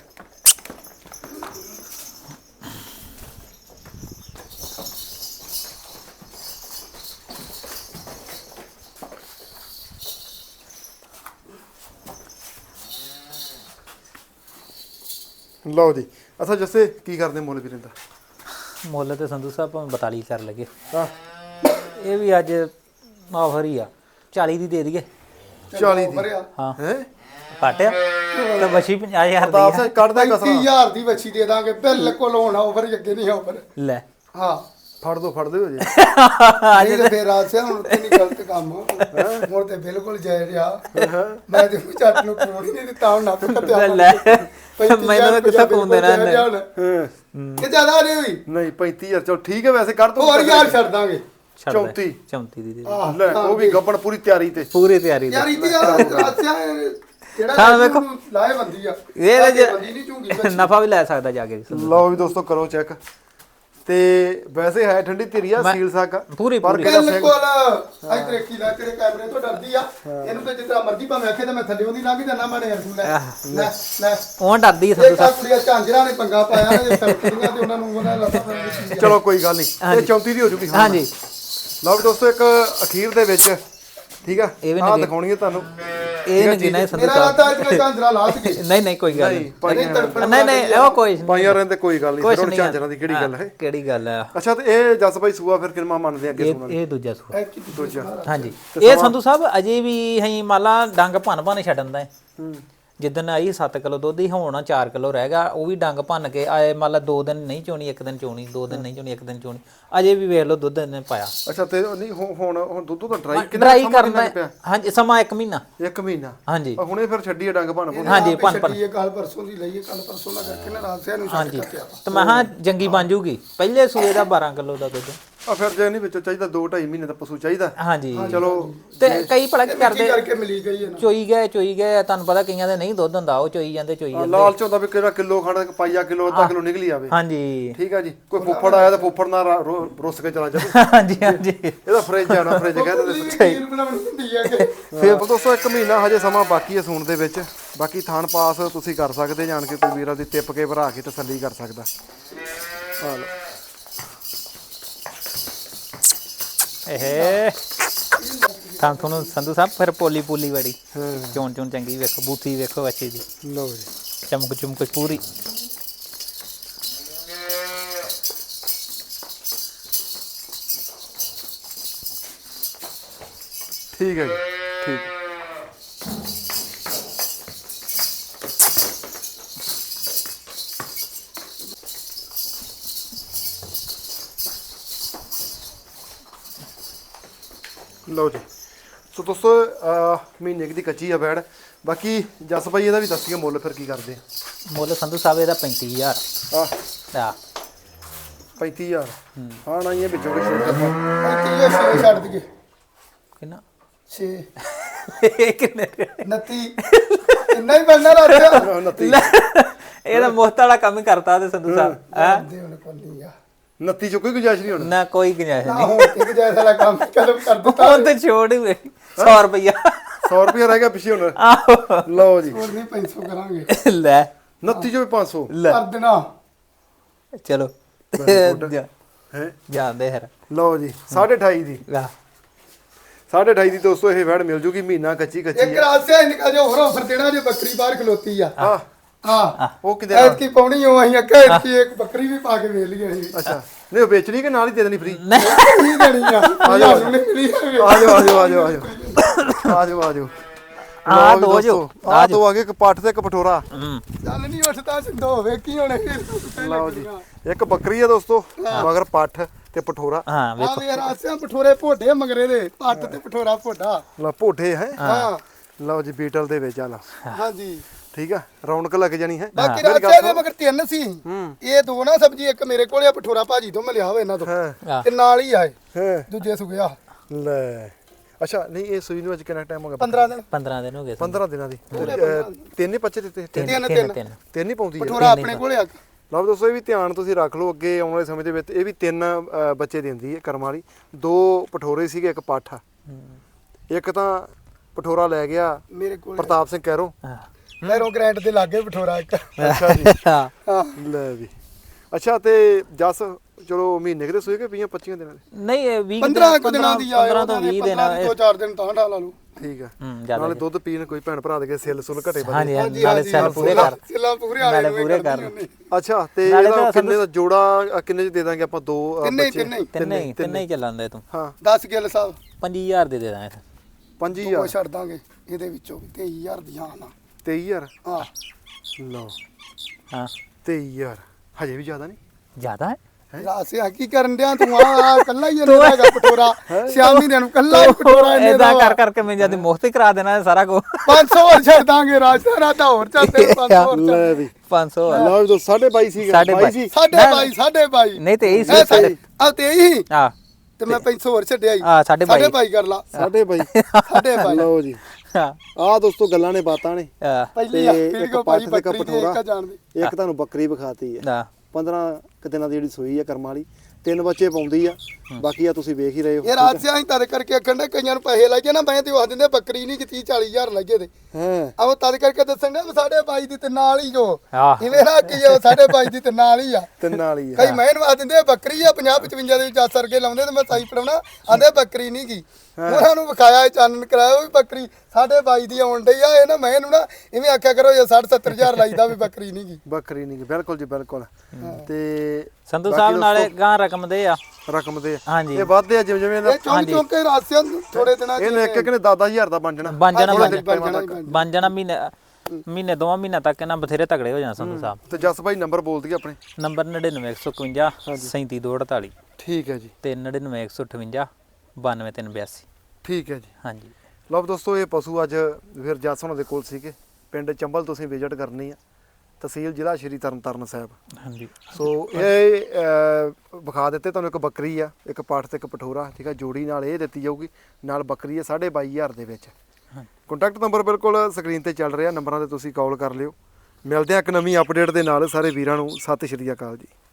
ਲਓ ਜੀ ਅੱਛਾ ਜੱਸੇ ਕੀ ਕਰਦੇ ਮੁੱਲ ਵੀਰੇ ਦਾ ਮੁੱਲ ਤੇ ਸੰਧੂ ਸਾਹਿਬ ਭਾਵੇਂ ਬਤਾਲੀ ਕਰ ਲਗੇ ਹਾਂ ਇਹ ਵੀ ਅੱਜ ਆਫਰ ਹੀ ਆ ਚਾਲੀ ਦੀ ਦੇ ਦਈਏ ਚਾਲੀ ਦੀ ਹਾਂ ਹੈ ਘਟਿਆ ਤੇ ਬਛੀ ਪੰਜਾਹ ਹਜ਼ਾਰ ਦੱਸ ਦੀ ਆ। ਕੱਢਦਾ ਪੈਂਤੀ ਕਸਰਾ ਹਜ਼ਾਰ ਦੀ ਵੱਛੀ ਦੇ ਦਾਂਗੇ ਬਿਲਕੁਲ ਹੁਣ ਆਫਰ ਅੱਗੇ ਨਹੀਂ ਆਫਰ ਲੈ ਹਾਂ ਫੜ ਦੋ ਫੜ ਦਿਓ ਜੀ ਨਹੀਂ ਤੇ ਫੇਰ ਆਸਿਆ ਹੁਣ ਤੇ ਨਹੀਂ ਗਲਤ ਕੰਮ ਹੁਣ ਤੇ ਬਿਲਕੁਲ ਜੈ ਰਿਹਾ ਮੈਂ ਤੇ ਝੱਟ ਨੂੰ ਕੋੜ ਹੀ ਨਹੀਂ ਦਿੱਤਾ ਹੁਣ ਨੱਪ ਕੱਟਿਆ ਲੈ ਮੈਨੂੰ ਤਾਂ ਕਿੱਥੇ ਫੋਨ ਦੇਣਾ ਇਹਨੇ ਹਾਂ ਕਿ ਜ਼ਿਆਦਾ ਨਹੀਂ ਹੋਈ ਨਹੀਂ ਪੈਂਤੀ ਹਜ਼ਾਰ ਚਲ ਠੀਕ ਹੈ ਵੈਸੇ ਕਰ ਦੋ ਹੋਰ ਯਾਰ ਛੱਡ ਦਾਂਗੇ ਛੱਡ ਦੇ। ਚੌਂਤੀ ਚੌਂਤੀ ਦੀ ਦੇ ਦੇ। ਆਹ, ਲੈ ਉਹ ਵੀ ਗੱਬਣ ਪੂਰੀ ਤਿਆਰੀ ਤੇ ਪੂਰੀ ਤਿਆਰੀ ਯਾਰ ਦੀ ਇੱਥੇ ਯਾਰ ਆਸਿਆ ਜਿਹੜਾ ਹਾਂ, ਵੇਖੋ। ਲਾਏ ਬੰਦੀ ਆ ਇਹ ਲਾਏ ਜੇ- ਬੰਦੀ ਨਹੀਂ ਝੂੰਗੀ ਨਫਾ ਵੀ ਲੈ ਸਕਦਾ ਜਾ ਕੇ ਲਓ ਵੀ ਦੋਸਤੋ ਕਰੋ ਚੈੱਕ ਤੇ ਵੈਸੇ ਹੈ ਠੰਡੀ ਧੀਰੀ ਆ ਮੈਂ- ਸੀਲ ਸਾਕਾ ਪੂਰੀ ਪਰ ਪੂਰੀ ਕਿਹੜਾ ਸਿੰਘ ਬਿਲਕੁਲ ਆਈ ਤੇਰੇ ਕੀ ਲੈ ਤੇਰੇ ਕੈਮਰੇ ਤੋਂ ਡਰਦੀ ਆ ਇਹਨੂੰ ਤੇ ਜਿੱਦਾਂ ਮਰਜ਼ੀ ਭਾਵੇਂ ਆਖੇ ਤਾਂ ਮੈਂ ਥੱਲੇ ਉਹਦੀ ਲੰਘ ਜਾਣਾ ਮਾਣੇ ਯਾਰ ਤੂੰ ਲੈ ਲੈ ਲੈ ਉਹ ਡਰਦੀ ਆ ਇਹ ਸੰਧੂ ਤਾਂ ਸਾਹਿਬ ਕੁੜੀਆਂ ਝਾਂਜਰਾਂ ਨੇ ਪੰਗਾ ਪਾਇਆ ਨੇ ਫੈਕਟਰੀਆਂ ਤੇ ਉਹਨਾਂ ਨੂੰ ਉਹਨਾਂ ਲੱਤਾਂ ਚਲੋ ਕੋਈ ਗੱਲ ਨਹੀਂ ਇਹ ਚੌਂਤੀ ਦੀ ਹੋ ਜੂਗੀ ਹਾਂ ਹਾਂਜੀ ਲਓ ਵੀ ਦੋਸਤੋ ਇੱਕ ਅਖੀਰ ਦੇ ਵਿੱਚ ਠੀਕ ਆ ਇਹ ਵੀ ਆਹ ਨਗੀ- ਦਿਖਾਉਣੀ ਹੈ ਤੁਹਾਨੂੰ ਇਹ ਨਹੀਂ ਗਿਣਾ ਸੰਧੂ ਮੇਰਾ ਸਾਹਿਬ ਰਾਤਾ ਇਤਨਾ ਝਾਂਜਰਾਂ ਲਾ ਸਕੇ ਨਹੀਂ ਨਹੀਂ ਕੋਈ ਗੱਲ ਨਹੀਂ ਨਹੀਂ ਪਾਈਆਂ ਨਹੀਂ ਨਹੀਂ ਉਹ ਕੋਈ ਨਹੀਂ ਪਾਈਆਂ ਰਹਿੰਦੇ ਕੋਈ ਗੱਲ ਨਹੀਂ ਕੁਛ ਫਿਰ ਹੁਣ ਨਹੀਂ ਝਾਂਜਰਾਂ ਦੀ ਕਿਹੜੀ ਗੱਲ ਹੈ ਕਿਹੜੀ ਗੱਲ ਆ ਅੱਛਾ ਤੇ ਇਹ ਜਸ ਭਾਈ ਸੂਆ ਫਿਰ ਕਿੰਨਾ ਮੰਨਦੇ ਆ ਅੱਗੇ ਇਹ ਸੁਣਨ ਇਹ ਦੂਜਾ ਸੂਆ ਦੂਜਾ ਹਾਂਜੀ ਇਹ ਸੰਧੂ ਸਾਹਿਬ ਅਜੇ ਵੀ ਅਸੀਂ ਮਾਲਾ ਡੰਗ ਭੰਨ ਭੰਨ ਛੱਡਣ ਦਾ ਹੈ। ਹੂੰ ਜਿੱਦਣ ਆਈ ਸੱਤ ਕਿਲੋ ਦੁੱਧ ਹੀ ਹੋਣਾ ਚਾਰ ਕਿਲੋ ਰਹਿ ਗਿਆ ਉਹ ਵੀ ਡੰਗ ਭੰਨ ਕੇ ਆਏ ਮੰਨ ਲਾ ਦੋ ਦਿਨ ਨਹੀਂ ਚੋਣੀ ਇੱਕ ਦਿਨ ਚੋਣੀ ਦੋ ਦਿਨ ਨਹੀਂ ਚੋਣੀ ਇੱਕ ਦਿਨ ਚੋਣੀ ਅਜੇ ਵੀ ਵੇਖ ਲਓ ਦੁੱਧ ਇਹਨੇ ਪਾਇਆ ਅੱਛਾ ਤੇ ਉਹ ਨਹੀਂ ਹੁਣ ਹੁਣ ਹੁਣ ਦੁੱਧ ਤਾਂ ਡਰਾਈ ਕਿੰਨਾ ਡਰਾਈ ਸਮਾਂ ਕਰਨਾ ਕਿੰਨਾ ਪਿਆ ਹਾਂਜੀ ਸਮਾਂ ਇੱਕ ਮਹੀਨਾ ਇੱਕ ਮਹੀਨਾ ਹਾਂਜੀ ਆ ਹੁਣੇ ਫਿਰ ਛੱਡੀ ਆ ਡੰਗ ਭੰਨ ਭੁੰਨ ਹਾਂਜੀ ਭੰਨ ਭੰਨ ਇਹ ਕੱਲ ਪਰਸੋਂ ਦੀ ਲਈਏ ਕੱਲ ਪਰਸੋਂ ਨਾ ਕਰਕੇ ਨਾ ਰਾਸਿਆ ਨੂੰ ਛੱਡ ਹਾਂਜੀ ਕੇ ਤੇ ਮੈਂ ਹਾਂ ਜੰਗੀ ਬਣ ਜੂਗੀ ਪਹਿਲੇ ਸੂਏ ਦਾ ਬਾਰਾਂ ਕਿਲੋ ਦਾ ਦੁੱਧ ਆ ਫਿਰ ਜੇ ਨਹੀਂ ਵਿੱਚੋਂ ਚਾਹੀਦਾ ਦੋ ਢਾਈ ਮਹੀਨੇ ਦਾ ਪਸ਼ੂ ਚਾਹੀਦਾ ਹਾਂਜੀ ਚਲੋ ਤੇ ਕਈ ਭਲਾ ਕੀ ਕੀ ਕਰਦੇ ਕਰਕੇ ਮਿਲੀ ਗਈ ਹੈ ਨਾ ਚੋਈ ਗਏ ਚੋਈ ਗਏ ਤੁਹਾਨੂੰ ਪਤਾ ਕਈਆਂ ਦੇ ਨਹੀਂ ਦੁੱਧ ਹੁੰਦਾ ਉਹ ਚੋਈ ਜਾਂਦੇ ਚੋਈ ਜਾਂਦੇ ਲਾਲਚ ਹੁੰਦਾ ਵੀ ਕਿਹੜਾ ਕਿਲੋ ਖਾਣਾ ਪਾਈਆ ਕਿਲੋ ਅੱਧਾ ਕਿਲੋ ਨਿਕਲੀ ਆਵੇ ਹਾਂਜੀ ਠੀਕ ਆ ਜੀ ਕੋਈ ਫੁੱਫੜ ਆਇਆ ਤਾਂ ਫੁੱਫੜ ਨਾਲ ਰਾ- ਰੋ- ਰੁੱਸ ਕੇ ਚਲਾ ਜਾਵੇ ਹਾਂਜੀ ਹਾਂਜੀ ਇਹਦਾ ਫ੍ਰਿਜ ਆ ਨਾ ਫ੍ਰਿਜ ਕਹਿੰਦੇ ਉਹਦੀ ਵੀ ਖੀਰ ਬਣਾਉਣੀ ਹੁੰਦੀ ਹੈ ਕਿ ਫਿਰ ਦੋਸਤੋ ਇੱਕ ਮਹੀਨਾ ਹਜੇ ਸਮਾਂ ਬਾਕੀ ਹੈ ਸੂਣ ਦੇ ਵਿੱਚ ਬਾਕੀ ਥਾਣ ਪਾਸ ਤੁਸੀਂ ਕਰ ਸਕਦੇ ਜਾਣ ਕੇ ਕੋਈ ਵੀਰਾਂ ਦੀ ਟਿੱਪ ਕੇ ਭਰਾ ਕੇ ਤਸੱਲੀ ਕਰ ਸਕਦਾ ਆ ਲਓ ਇਹ ਤਾਂ ਤੁਹਾਨੂੰ ਸੰਧੂ ਸਾਹਿਬ ਫਿਰ ਪੋਲੀ ਪੋਲੀ ਬੜੀ ਹਾਂ ਚੋਣ ਚੋਣ ਚੰਗੀ ਵੇਖੋ ਬੂਥੀ ਵੇਖੋ ਅੱਛੀ ਦੀ ਲਓ ਜੀ ਚਮਕ ਚਮਕ ਪੂਰੀ ਠੀਕ ਹੈ ਜੀ ਠੀਕ ਹੈ। ਲਓ ਜੀ ਸੋ ਦੋਸਤੋ ਅਹ ਮਹੀਨੇ ਕੁ ਦੀ ਕੱਚੀ ਆ ਬੈੜ ਬਾਕੀ ਜਸ ਭਾਈ ਇਹਦਾ ਵੀ ਦੱਸੀਏ ਮੁੱਲ ਫਿਰ ਕੀ ਕਰਦੇ ਮੁੱਲ ਸੰਧੂ ਸਾਹਿਬ ਇਹਦਾ ਪੈਂਤੀ ਹਜ਼ਾਰ ਆ ਆ ਪੈਂਤੀ ਹਜ਼ਾਰ ਹਾਂ ਨਾ ਇਹ ਵਿੱਚੋਂ ਕੋਈ ਛੋਟ ਕਰ ਪੈਂਤੀ ਇਹ ਛੇ ਛੱਡ ਦਈਏ ਕਿੰਨਾ ਛੇ ਇਹ ਕਿੰਨੇ ਨੱਤੀ ਇੰਨਾ ਹੀ ਬਣਨਾ ਰਾਸਿਆ ਉਨੱਤੀ ਇਹਦਾ ਮੁਫਤ ਵਾਲਾ ਕੰਮ ਹੀ ਕਰਤਾ ਤੇ ਸੰਧੂ ਸਾਹਿਬ ਹੈ ਦੇ ਹੁਣ ਕੋਲੀ ਆ ਉਨੱਤੀ ਚੋਂ ਕੋਈ ਗੁੰਜਾਇਸ਼ ਨਹੀਂ ਹੁਣ ਨਾ ਕੋਈ ਗੁੰਜਾਇਸ਼ ਨਾ ਨਹੀਂ ਹੁਣ ਤੇ ਜੈਸਾ ਵਾਲਾ ਕੰਮ ਕਦਮ ਕਰ ਦਿੱਤਾ ਉਹ ਤੇ ਛੋੜ ਹੀ ਸੌ ਰੁਪਇਆ ਸੌ ਰੁਪਏ ਰਹਿ ਗਿਆ ਪਿੱਛੇ ਹੁਣ ਆਹੋ ਲਓ ਜੀ ਹੋਰ ਨਹੀਂ ਪੰਜ ਸੌ ਕਰਾਂਗੇ ਲੈ ਉਨੱਤੀ ਚੋਂ ਵੀ ਪੰਜ ਸੌ ਲੈ ਕਰ ਦੇਣਾ ਚਲੋ ਜਾ- ਹੈ ਜਾਂਦੇ ਹਰ ਲਓ ਜੀ ਸਾਢੇ ਅਠਾਈ ਦੀ ਵਾਹ ਸਾਢੇ ਅਠਾਈ ਦੀ ਦੋਸਤੋ ਇਹ ਵੈੜ ਮਿਲ ਜੂਗੀ ਮਹੀਨਾ ਕੱਚੀ ਕੱਚੀ ਇੱਕ ਰਾਸਿਆ ਇਨਕਾ ਜੋ ਹੋਰ ਆਫਰ ਦੇਣਾ ਜੇ ਬੱਕਰੀ ਬਾਹਰ ਖਲੋਤੀ ਆ ਆ ਹਾਂ ਉਹ ਕਿਤੇ ਐਤ ਕੀ ਪਾਉਣੀ ਹੋ ਅਸੀਂ ਅੱਗੇ ਕੀ ਇੱਕ ਬੱਕਰੀ ਵੀ ਪਾ ਕੇ ਵੇਚ ਲਈ ਅਸੀਂ ਅੱਛਾ ਨਹੀਂ ਉਹ ਵੇਚਣੀ ਕਿ ਨਾਲ ਹੀ ਦੇ ਦੇਣੀ ਫ੍ਰੀ ਨਹੀਂ ਦੇਣੀ ਆ ਆ ਜਾ ਨਹੀਂ ਮਿਲੀ ਆ ਜਾਓ ਆ ਜਾਓ ਆ ਜਾਓ ਆ ਜਾਓ ਆ ਜਾਓ ਆ ਜਾਓ ਆ ਦੋ ਜੋ ਆ ਦੋ ਆ ਗਏ, ਇੱਕ ਪੱਠ ਤੇ ਇੱਕ ਪਠੋਰਾ। ਹੂੰ ਚੱਲ ਨਹੀਂ ਉੱਠਦਾ ਸਿੰਧੋ ਵੇਖੀ ਹੁਣ ਇਹ ਲਓ ਜੀ, ਇੱਕ ਬੱਕਰੀ ਆ ਦੋਸਤੋ, ਮਗਰ ਪੱਠ ਤੇ ਪਠੋਰਾ। ਹਾਂ ਆ ਵੇਖੋ ਵੇ ਰਾਸਿਆਂ ਪਠੋਰੇ ਭੋਡੇ ਮਗਰੇ ਦੇ ਪੱਟ ਤੇ ਪਠੋਰਾ ਭੋਡਾ। ਲਓ ਭੋਠੇ ਹੈ। ਹਾਂ ਲਓ ਜੀ ਬੀਟਲ ਦੇ ਵਿੱਚ ਆ ਲਾ, ਹਾਂਜੀ ਠੀਕ ਆ, ਰੌਣਕ ਲੱਗ ਜਾਣੀ ਹੈ। ਬਾਕੀ ਰਾਸਿਆਂ ਦੇ ਮਗਰ ਤਿੰਨ ਸੀ, ਇਹ ਦੋ ਨਾ ਸਬਜੀ, ਇੱਕ ਮੇਰੇ ਕੋਲੇ ਆ ਪਠੋਰਾ ਭਾਜੀ ਤੋਂ ਮਿਲਿਆ ਹੋਵੇ ਇਹਨਾਂ ਤੋਂ, ਹਾਂ ਤੇ ਨਾਲ ਹੀ ਆਏ ਹੈ ਦੂਜੇ ਸੁਗਿਆ ਲੈ। ਅੱਛਾ ਨਹੀਂ, ਇਹ ਸੂਈ ਨੂੰ ਅੱਜ ਕਿੰਨਾ ਟਾਈਮ ਹੋ ਗਿਆ? ਪੰਦਰਾਂ ਦਿਨ ਪੰਦਰਾਂ ਦਿਨ ਹੋ ਗਏ ਪੰਦਰਾਂ ਦਿਨਾਂ ਦੀ। ਅਹ, ਤਿੰਨ ਹੀ ਬੱਚੇ ਦਿੱਤੇ? ਤਿੰਨ ਤਿੰਨ ਤਿੰਨ ਤਿੰਨ ਤਿੰਨ ਹੀ ਪਾਉਂਦੀ ਹੈ। ਪਠੋਰਾ ਆਪਣੇ ਕੋਲੇ ਆ। ਲਓ ਦੋਸਤੋ, ਇਹ ਵੀ ਧਿਆਨ ਤੁਸੀਂ ਰੱਖ ਲਓ, ਅੱਗੇ ਆਉਣ ਵਾਲੇ ਸਮੇਂ ਦੇ ਵਿੱਚ ਇਹ ਵੀ ਤਿੰਨ ਅਹ, ਬੱਚੇ ਦਿੰਦੀ ਹੈ ਕਰਮ ਵਾਲੀ। ਦੋ ਪਠੋਰੇ ਸੀਗੇ, ਇੱਕ ਪੱਠ ਆ। ਇੱਕ ਤਾਂ ਪਠੋਰਾ ਲੈ ਗਿਆ ਮੇਰੇ ਕੋਲੇ ਪ੍ਰਤਾਪ ਸਿੰਘ ਕਹਿਰੋ। ਹਾਂ ਲੈਰੋ ਗ੍ਰੈਂਡ ਦੇ ਲਾਗੇ ਪਠੋਰਾ ਇੱਕ। ਅੱਛਾ ਜੀ, ਹਾਂ ਹਾਂ ਲੈ ਵੀ। ਅੱਛਾ ਤੇ ਜਸ ਚਲੋ ਮਹੀਨੇ ਕਿਤੇ ਸੂਏ ਕਿ ਵੀਹ ਪੱਚੀਆਂ ਦਿਨਾਂ ਦੇ? ਨਹੀਂ ਇਹ ਵੀਹ ਪੰਦਰਾਂ ਕੁ ਦਿਨਾਂ ਦੀ ਆਏ, ਪੰਦਰਾਂ ਤੋਂ ਵੀਹ ਦਿਨ ਦੋ ਚਾਰ ਦਿਨ ਤਾਂ ਢਾਲਾ ਲੂ। ਠੀਕ ਆ, ਹੂੰ ਜ਼ਿਆਦਾ ਨਾਲੇ ਦੁੱਧ ਪੀਣ ਕੋਈ ਭੈਣ ਭਰਾ ਦੇ ਕੇ ਸਿੱਲ ਸੁੱਲ ਘਟੇ ਵਧੇ। ਹਾਂਜੀ ਹਾਂਜੀ ਨਾਲੇ ਸੈੱਲ ਪੂਰੇ ਕਰ ਸਿੱਲਾ ਪੂਰੇ ਆਲੇ ਨਾਲੇ ਨੂੰ ਪੂਰੇ ਕਰਦੀ ਕਰ। ਉਹਨੇ। ਅੱਛਾ ਤੇ ਨਾਲੇ ਇਹਦਾ ਤਾਂ ਕਿੰਨੇ ਦਾ ਜੋੜਾ ਅ, ਕਿੰਨੇ ਚ ਦੇ ਦਾਂਗੇ ਆਪਾਂ? ਦੋ ਅ, ਤਿੰਨੇ ਹੀ, ਬੱਚੇ? ਤਿੰਨੇ ਹੀ। ਤਿੰਨੇ ਹੀ ਤਿੰਨੇ ਹੀ ਚੱਲਣ ਦੇ ਤੂੰ। ਹਾਂ ਦਸ ਗਿੱਲ ਸਾਹਿਬ ਪੰਜੀ ਹਜ਼ਾਰ ਦੇ ਦੇ ਦਾਂਗੇ ਪੰਜੀ ਉਹ ਹਜ਼ਾਰ ਛੱਡ ਦਾਂਗੇ ਇਹਦੇ ਵਿੱਚੋਂ ਤੇਈ ਹਜ਼ਾਰ ਦੀਆਂ ਨਾ। ਤੇਈ ਹਜ਼ਾਰ ਹਾਂ ਲਓ ਹਾਂ ਤੇਈ ਹਜ਼ਾਰ ਹਜੇ ਵੀ ਜ਼ਿਆਦਾ ਨਹੀਂ? ਜ਼ਿਆਦਾ ਹੈ ਰਾਸਿਆ ਕੀ ਕਰਨ ਡਿਆ ਤੂੰ? ਆ ਕੱਲਾ ਹੀ ਇਹਦਾ ਹੈਗਾ ਪਠੋਰਾ, ਸ਼ਾਮੀ ਦਿਨ ਨੂੰ ਕੱਲਾ ਹੀ ਪਠੋਰਾ ਇਹਨੇ ਇਦਾਂ ਦਾ ਕਰ ਕਰਕੇ ਮੈਂ ਜਦ ਮੁਫਤ ਹੀ ਕਰਾ ਦੇਣਾ ਇਹ ਸਾਰਾ ਕੁਝ। ਪੰਜ ਸੌ ਹੋਰ ਛੱਡ ਦਾਂਗੇ ਰਾਜਾ ਰਾਤਾ ਹੋਰ ਚੱਲ ਤੇਰੇ ਪੰਜ ਸੌ ਹੋਰ ਚੱਲ। ਲੈ ਵੀ ਪੰਜ ਸੌ ਲਓ ਜੀ, ਸਾਢੇ ਬਾਈ ਸੀ ਸਾਢੇ ਬਾਈ ਬਾਈ। ਸੀ। ਸਾਢੇ ਬਾਈ ਸਾਢੇ ਬਾਈ ਨਹੀਂ ਤੇ ਇਹੀ ਇਹ ਸੀ ਸਹੀ ਆ ਤੇਈ ਆ ਤੇ ਮੈਂ ਪੰਜ ਸੌ ਹੋਰ ਛੱਡਿਆ ਹੀ। ਆ ਸਾਢੇ ਬਾਈ। ਸਾਢੇ ਬਾਈ ਕਰ ਲਾ ਸਾਢੇ ਬਾਈ ਸਾਢੇ ਬਾਈ ਲਓ ਜੀ, ਹਾਂ ਆਹ ਦੋਸਤੋ ਗੱਲਾਂ ਨੇ ਬਾਤਾਂ ਨੇ। ਆ ਪਹਿਲੀ ਆ ਤੇ ਫਿਰ ਇੱਕ ਕੋ ਪੱਠ ਭਾਈ ਤੇ ਇੱਕ ਬੱਕਰੀ ਦੀ ਪਠੋਰਾ। ਇੱਕ ਜਾਣਦੇ। ਇੱਕ ਤੁਹਾਨੂੰ ਬੱਕਰੀ ਵਿਖਾਤੀ ਹੈ, ਆ ਪੰਦਰਾਂ ਕੁ ਦਿਨਾਂ ਦੀ ਜਿਹੜੀ ਸੂਈ ਆ ਕਰਮ ਵਾਲੀ। ਤਿੰਨ ਬੱਚੇ ਪਾਉਂਦੀ ਆ, ਬਾਕੀ ਆ ਤੁਸੀਂ ਵੇਖ ਹੀ ਰਹੇ ਹੋ। ਇਹ ਰਾਜਿਆ ਹੀ ਤਦ ਕਰਕੇ ਆਖਣ ਦੇ ਕਈਆਂ ਨੂੰ ਪੈਸੇ ਲੱਗੇ ਨਾ, ਮੈਂ ਤੇ ਉਹ ਦਿੰਦੇ ਬੱਕਰੀ ਨਹੀਂ ਕਿ ਤੀਹ ਚਾਲੀ ਹਜ਼ਾਰ ਲੱਗੇ ਤੇ ਹਾਂ ਆਹ ਤਦ ਕਰਕੇ ਦੱਸਣ ਦੇ ਸਾਡੇ ਬਾਈ ਦੀ ਤੇ ਨਾਲ ਹੀ ਜੋ ਆਹ। ਇਵੇਂ ਨਾ ਕਿ ਉਹ ਸਾਡੇ ਬਾਈ ਦੀ ਤੇ ਨਾਲ ਹੀ ਆ। ਤਿੰਨ ਨਾਲ ਹੀ ਆ। ਕਈ ਮੈਂ ਆ ਦਿੰਦੇ ਬੱਕਰੀ ਆ ਪੰਜਾਹ ਪਚਵੰਜਾ ਦੇ ਵਿੱਚ ਸਰਗੇ ਲਾਉਂਦੇ ਤੇ ਮੈਂ ਸਾਈ ਪੜਾਉਣਾ ਆਂਦੇ ਬੱਕਰੀ ਨਹੀਂ ਗਈ। ਉਹਨਾਂ ਨੂੰ ਵਿਖਾਇਆ ਚਾਨਣ ਕਰਾਇਆ ਉਹ ਵੀ ਬੱਕਰੀ ਸਾਡੇ ਬਾਈ ਦੀ ਆਉਣ ਡਈ ਆ। ਇਹ ਨਾ ਮੈਂ ਇਹਨੂੰ ਨਾ ਇਵੇਂ ਆਖਿਆ ਕਰੋ ਜੇ ਸੱਠ ਸੱਤਰ ਹਜ਼ਾਰ ਲਾਈਦਾ ਵੀ ਬੱਕਰੀ ਨਹੀਂ ਗਈ। ਬੱਕਰੀ ਨਹੀਂ ਗੀ, ਬਿਲਕੁਲ ਜੀ ਬਿਲਕੁਲ। ਤੇ ਸੰਧੂ ਸਾਹਿਬ ਨਾਲੇ ਗਾਂ ਰਕਮ ਦੇ ਆ ਰਕਮ ਦੇ ਹਾਂਜੀ ਇਹ ਵੱਧਦੇ ਆ ਜਿਵੇਂ ਜਿਵੇਂ ਇਹ ਚੌਂਕ ਚੌਂਕ ਕੇ ਰਾਸਿਆਂ ਨੂੰ ਥੋੜੇ ਦਿਨਾਂ ਚ ਇਹਨੇ ਇੱਕ ਇੱਕ ਨੇ ਦਸ ਦਸ ਹਜ਼ਾਰ ਦਾ ਬਣ ਜਾਣਾ। ਬਣ ਜਾਣਾ ਬਣ ਬਣ ਜਾਣਾ ਹੀ ਬਣ ਬਣ ਜਾਣਾ ਮਹੀਨੇ ਮਹੀਨੇ ਦੋਵਾਂ ਮਹੀਨਾ ਤੱਕ ਇਹਨਾਂ ਬਥੇਰੇ ਤਗੜੇ ਹੋ ਜਾਣਾ ਸੰਧੂ ਸਾਹਿਬ। ਤੇ ਜਸ ਭਾਈ ਨੰਬਰ ਬੋਲ ਦਈਏ ਆਪਣੇ। ਨੰਬਰ ਨੜਿਨਵੇਂ ਇੱਕ ਸੌ ਇਕਵੰਜਾ ਸੈਂਤੀ ਦੋ ਅੜਤਾਲੀ ਠੀਕ ਹੈ ਜੀ, ਤੇ ਨੜਿਨਵੇਂ ਇੱਕ ਸੌ ਅਠਵੰਜਾ ਬਾਨਵੇਂ ਤਿੰਨ ਬਿਆਸੀ। ਠੀਕ ਹੈ ਜੀ। ਹਾਂਜੀ ਲਓ ਦੋਸਤੋ, ਇਹ ਪਸ਼ੂ ਅੱਜ ਫਿਰ ਜਸ ਹੋਣਾ ਦੇ ਕੋਲ ਸੀਗੇ। ਪਿੰਡ ਚੰਬਲ ਤੁਸੀਂ ਵਿਜ਼ਿਟ ਕਰਨੀ ਆ, ਤਹਿਸੀਲ ਜ਼ਿਲ੍ਹਾ ਸ਼੍ਰੀ ਤਰਨਤਾਰਨ ਸਾਹਿਬ। ਹਾਂਜੀ ਸੋ ਇਹ ਅਹ, ਵਿਖਾ ਦਿੱਤੇ ਤੁਹਾਨੂੰ। ਇੱਕ ਬੱਕਰੀ ਆ, ਇੱਕ ਪੱਠ ਤੇ ਇੱਕ ਪਠੋਰਾ, ਠੀਕ ਆ। ਜੋੜੀ ਨਾਲ ਇਹ ਦਿੱਤੀ ਜਾਊਗੀ, ਨਾਲ ਬੱਕਰੀ ਆ ਸਾਢੇ ਬਾਈ ਹਜ਼ਾਰ ਦੇ ਵਿੱਚ। ਕੰਟੈਕਟ ਨੰਬਰ ਬਿਲਕੁਲ ਸਕਰੀਨ ਤੇ ਚੱਲ ਰਿਹਾ, ਨੰਬਰਾਂ ਤੇ ਤੁਸੀਂ ਕਾਲ ਕਰ ਲਿਓ। ਮਿਲਦੇ ਆ ਇੱਕ ਨਵੀਂ ਅਪਡੇਟ ਦੇ ਨਾਲ। ਸਾਰੇ ਵੀਰਾਂ ਨੂੰ ਸਤਿ ਸ਼੍ਰੀ ਅਕਾਲ ਜੀ।